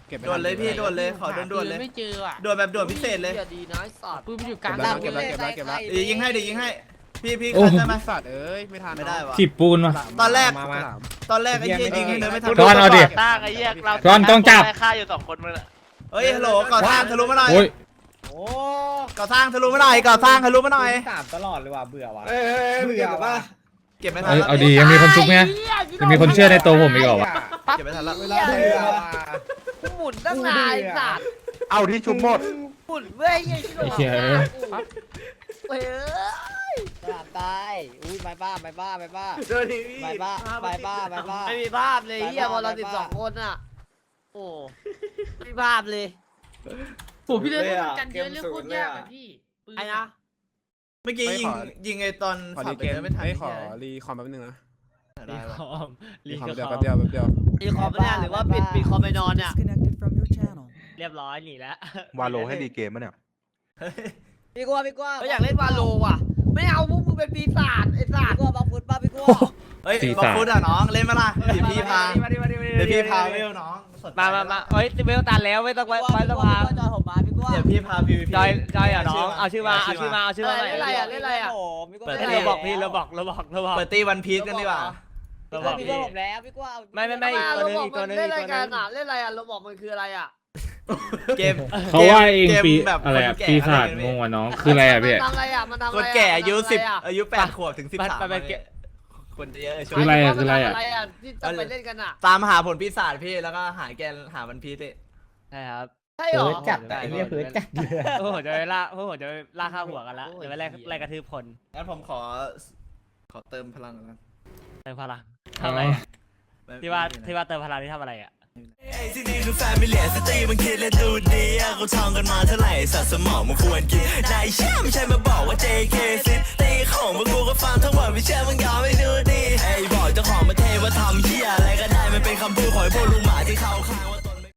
[SPEAKER 5] เก็บไป
[SPEAKER 6] ด่วนเลยพี่ด่วนเลยขอด่วนๆเลย
[SPEAKER 9] ไม่เจออ่ะ
[SPEAKER 6] ด่วนแบบด่วนพิเศษเลย
[SPEAKER 1] หี้ดีนะไอ้สัตว์
[SPEAKER 9] ปืนมันอยู่กลาง
[SPEAKER 5] เก็บแล้วเก็บแล้วเก็บแล้วเก็บแล้ว
[SPEAKER 6] เดี๋ยวยิงให้เดี๋ยวยิงให้พี่พี่
[SPEAKER 2] โอ้
[SPEAKER 6] คันได้ไหม
[SPEAKER 5] สัตว์เอ้ยไม่ทัน
[SPEAKER 6] ไม่ได้วะ
[SPEAKER 2] ถีบปูนวะ
[SPEAKER 6] ตอนแรก
[SPEAKER 5] มามา
[SPEAKER 6] ตอนแรกไอ้เหี้ยยิงให้เดินไม่ทัน
[SPEAKER 2] ก้อนเอาดิ
[SPEAKER 3] ตั้งไอ้เหี้ยเรา
[SPEAKER 2] ก้อนต้องจับ
[SPEAKER 3] ได้ฆ่าอยู่สองคนมึงอะ
[SPEAKER 6] เฮ้ยฮัลโหลก่อสร้างทะลุมาหน่อย
[SPEAKER 2] โอ้ย
[SPEAKER 10] โอ้
[SPEAKER 6] ก่อสร้างทะลุมาหน่อยก่อสร้างทะลุมาหน่อย
[SPEAKER 4] สามตลอดเลยว่ะเบื่อว่ะ
[SPEAKER 8] เอ้ยเอ้ยเอ้ยมึงเก็บป่ะ
[SPEAKER 6] เก็บไม่ทั
[SPEAKER 2] เอ้
[SPEAKER 6] น
[SPEAKER 2] ย
[SPEAKER 6] แล้ว
[SPEAKER 2] เอาดียังมีคนชุบไงยังมีคนเชื่อในตัวผมอีกเหรอวะ
[SPEAKER 6] เก็บไม่ทันแล้ว
[SPEAKER 8] เวลาเบื่อ
[SPEAKER 1] กูหมุนตั้งนานไอ้สัตว์
[SPEAKER 7] เอาที่ชุบหมด
[SPEAKER 1] หมุนเว้ยไอ้ชิโร่
[SPEAKER 2] ไอ้เหี้ย
[SPEAKER 1] เว้ย
[SPEAKER 10] ตลาดตายอุ้ยไม่บ้าไม่บ้าไม่บ้า
[SPEAKER 6] เดี๋ยวดิพี่
[SPEAKER 10] ไม่บ้าไม่บ้าไม่บ้า
[SPEAKER 1] ไม่มีภาพเลยเฮียบอลเราสิบสองคนอ่ะโอ้ไม่มีภาพเลย
[SPEAKER 8] โอ้พี่เล่นกันเยอะเรื่องโคตรยากอ่ะพี่
[SPEAKER 1] ไอ้นะ
[SPEAKER 6] เมื่อกี้ยิงยิงไอ้ตอน
[SPEAKER 5] ขอ
[SPEAKER 6] ขั
[SPEAKER 5] รี
[SPEAKER 6] บไป
[SPEAKER 5] เกม
[SPEAKER 6] เดินไม่ทัน
[SPEAKER 5] เอ้ยขอรีคอมแป๊บนึงนะ
[SPEAKER 1] รี
[SPEAKER 5] รี
[SPEAKER 1] คอม
[SPEAKER 5] รี
[SPEAKER 1] รี
[SPEAKER 5] คอม
[SPEAKER 1] ค
[SPEAKER 5] เดียว
[SPEAKER 1] อ
[SPEAKER 5] แป๊บ
[SPEAKER 1] ม
[SPEAKER 5] เดียวแป๊บเดียว
[SPEAKER 1] รีคอมไม่ได้หรือว่าปิดปิดคอมไปนอนเนี่ย
[SPEAKER 9] เรียบร้อยหนีแล้ว
[SPEAKER 7] วาโลให้รีเกมมั้ยเนี่ย
[SPEAKER 10] พี่กลัวพี่กลัว
[SPEAKER 1] เขาอยากเล่นวาโลว่ะ ไม่เอาพวกมึงเป็นปีศาจไอ้สัต
[SPEAKER 10] พี่
[SPEAKER 1] ว์
[SPEAKER 10] กลัวบังฟุตป้าพี่กลัว
[SPEAKER 6] เฮ้ยบอกฟุตอ่ะน้องเล่นมาล่ะเดี๋ยวพี่พาเดี๋ยวพี่พาเวลน้องสนใจ
[SPEAKER 9] มามามาเอ้ยเวลตันแล้วไม่ต้องไว้ไว้สภา
[SPEAKER 10] จอยผมมาพี่กลัว
[SPEAKER 6] เดี๋ยวพี่พาพีวีพี
[SPEAKER 9] จอยจอยอ่ะน้องเอาชื่อมาเอาชื่อมาเอาชื่อมาหน่อย
[SPEAKER 1] เล่นอะไรอ่ะเล่นอะไรอ่ะ
[SPEAKER 6] เปิด
[SPEAKER 9] เล่นเราบอกพี่เราบอกเราบอกเราบอก
[SPEAKER 6] เปิดตีวันพีชกันดีกว่า
[SPEAKER 9] เรา
[SPEAKER 10] บบ อ
[SPEAKER 9] อก ก
[SPEAKER 10] พี่
[SPEAKER 9] พี่
[SPEAKER 10] ผมแล้วพี่กลัว
[SPEAKER 9] ไม่ไม่ไม่
[SPEAKER 1] อ่ะ
[SPEAKER 9] ตัว
[SPEAKER 1] เรา
[SPEAKER 9] นึง
[SPEAKER 1] บอก
[SPEAKER 9] อีกตั
[SPEAKER 1] มั
[SPEAKER 9] วน นึง
[SPEAKER 1] เล่น
[SPEAKER 9] อี
[SPEAKER 1] ราก ย
[SPEAKER 9] ตัว
[SPEAKER 1] การ
[SPEAKER 9] นึง
[SPEAKER 1] อ่ะเล่นอะไรอ่ะเราบอกมันคืออะไรอ่ะ
[SPEAKER 6] เกม
[SPEAKER 2] เขาว่าเองปี
[SPEAKER 6] กมแบบ
[SPEAKER 2] อะไรอะ
[SPEAKER 6] คนแก่
[SPEAKER 2] ปีศาจ
[SPEAKER 6] อะไร
[SPEAKER 2] ง
[SPEAKER 6] กัน
[SPEAKER 2] งวะน้องคืออะไรอะพี่
[SPEAKER 1] มันทำอะไรอ่ะมันทำอะไร
[SPEAKER 6] คน
[SPEAKER 1] อ่ะ
[SPEAKER 6] แก่อายุ
[SPEAKER 1] มันทำะ
[SPEAKER 6] สิบ
[SPEAKER 1] ไรอ่ะ
[SPEAKER 6] อายุแปดขวบถึงสิบสาม
[SPEAKER 9] มันเป็นเกม
[SPEAKER 6] คนจะเยอะช่ว
[SPEAKER 2] คื
[SPEAKER 6] ย
[SPEAKER 2] ออะไรอ่ะคืออะไรอ่ะ
[SPEAKER 1] มันทำอะไรอ่ะที่จะไปเล่นกันอ่ะ
[SPEAKER 6] ตามหาผลปีศาจพี่แล้วก็หาแกนหาวันพีชดิ
[SPEAKER 9] ใช่ครับ
[SPEAKER 1] ใช่เหรอ
[SPEAKER 4] จัดไอ้เนี่ยเพื่อจัด
[SPEAKER 9] พวกผมจะไปล่าพวกผมจะไปล่าข้าวหัวกันละเดี๋ยวไปไล่ไล่กระทืบคน
[SPEAKER 6] งั้นผมขอขอเติมพลังก่อนนะ
[SPEAKER 9] เติมพลังทำอะไรที่ว่าที่ว่าเติมพลังที่ทำอะไรอ่ะ
[SPEAKER 11] ที่นี่คือแฟมิเลียสตรีมันคิดและดูดีอะกูท่องกันมาเท่าไหร่สัตว์สมองมันควรกินนายเชื่อไม่ใช่มาบอกว่า เจ เค ซิตีของพวกกูก็ฟังทั้งหมดไม่เชื่อมึงยอมไม่ดูดีไอ้บอกเจ้าของประเทศว่าทำเหี้ยอะไรก็ได้มันเป็นคำพูดของไอ้พวกลุงหมาที่เขาข้าง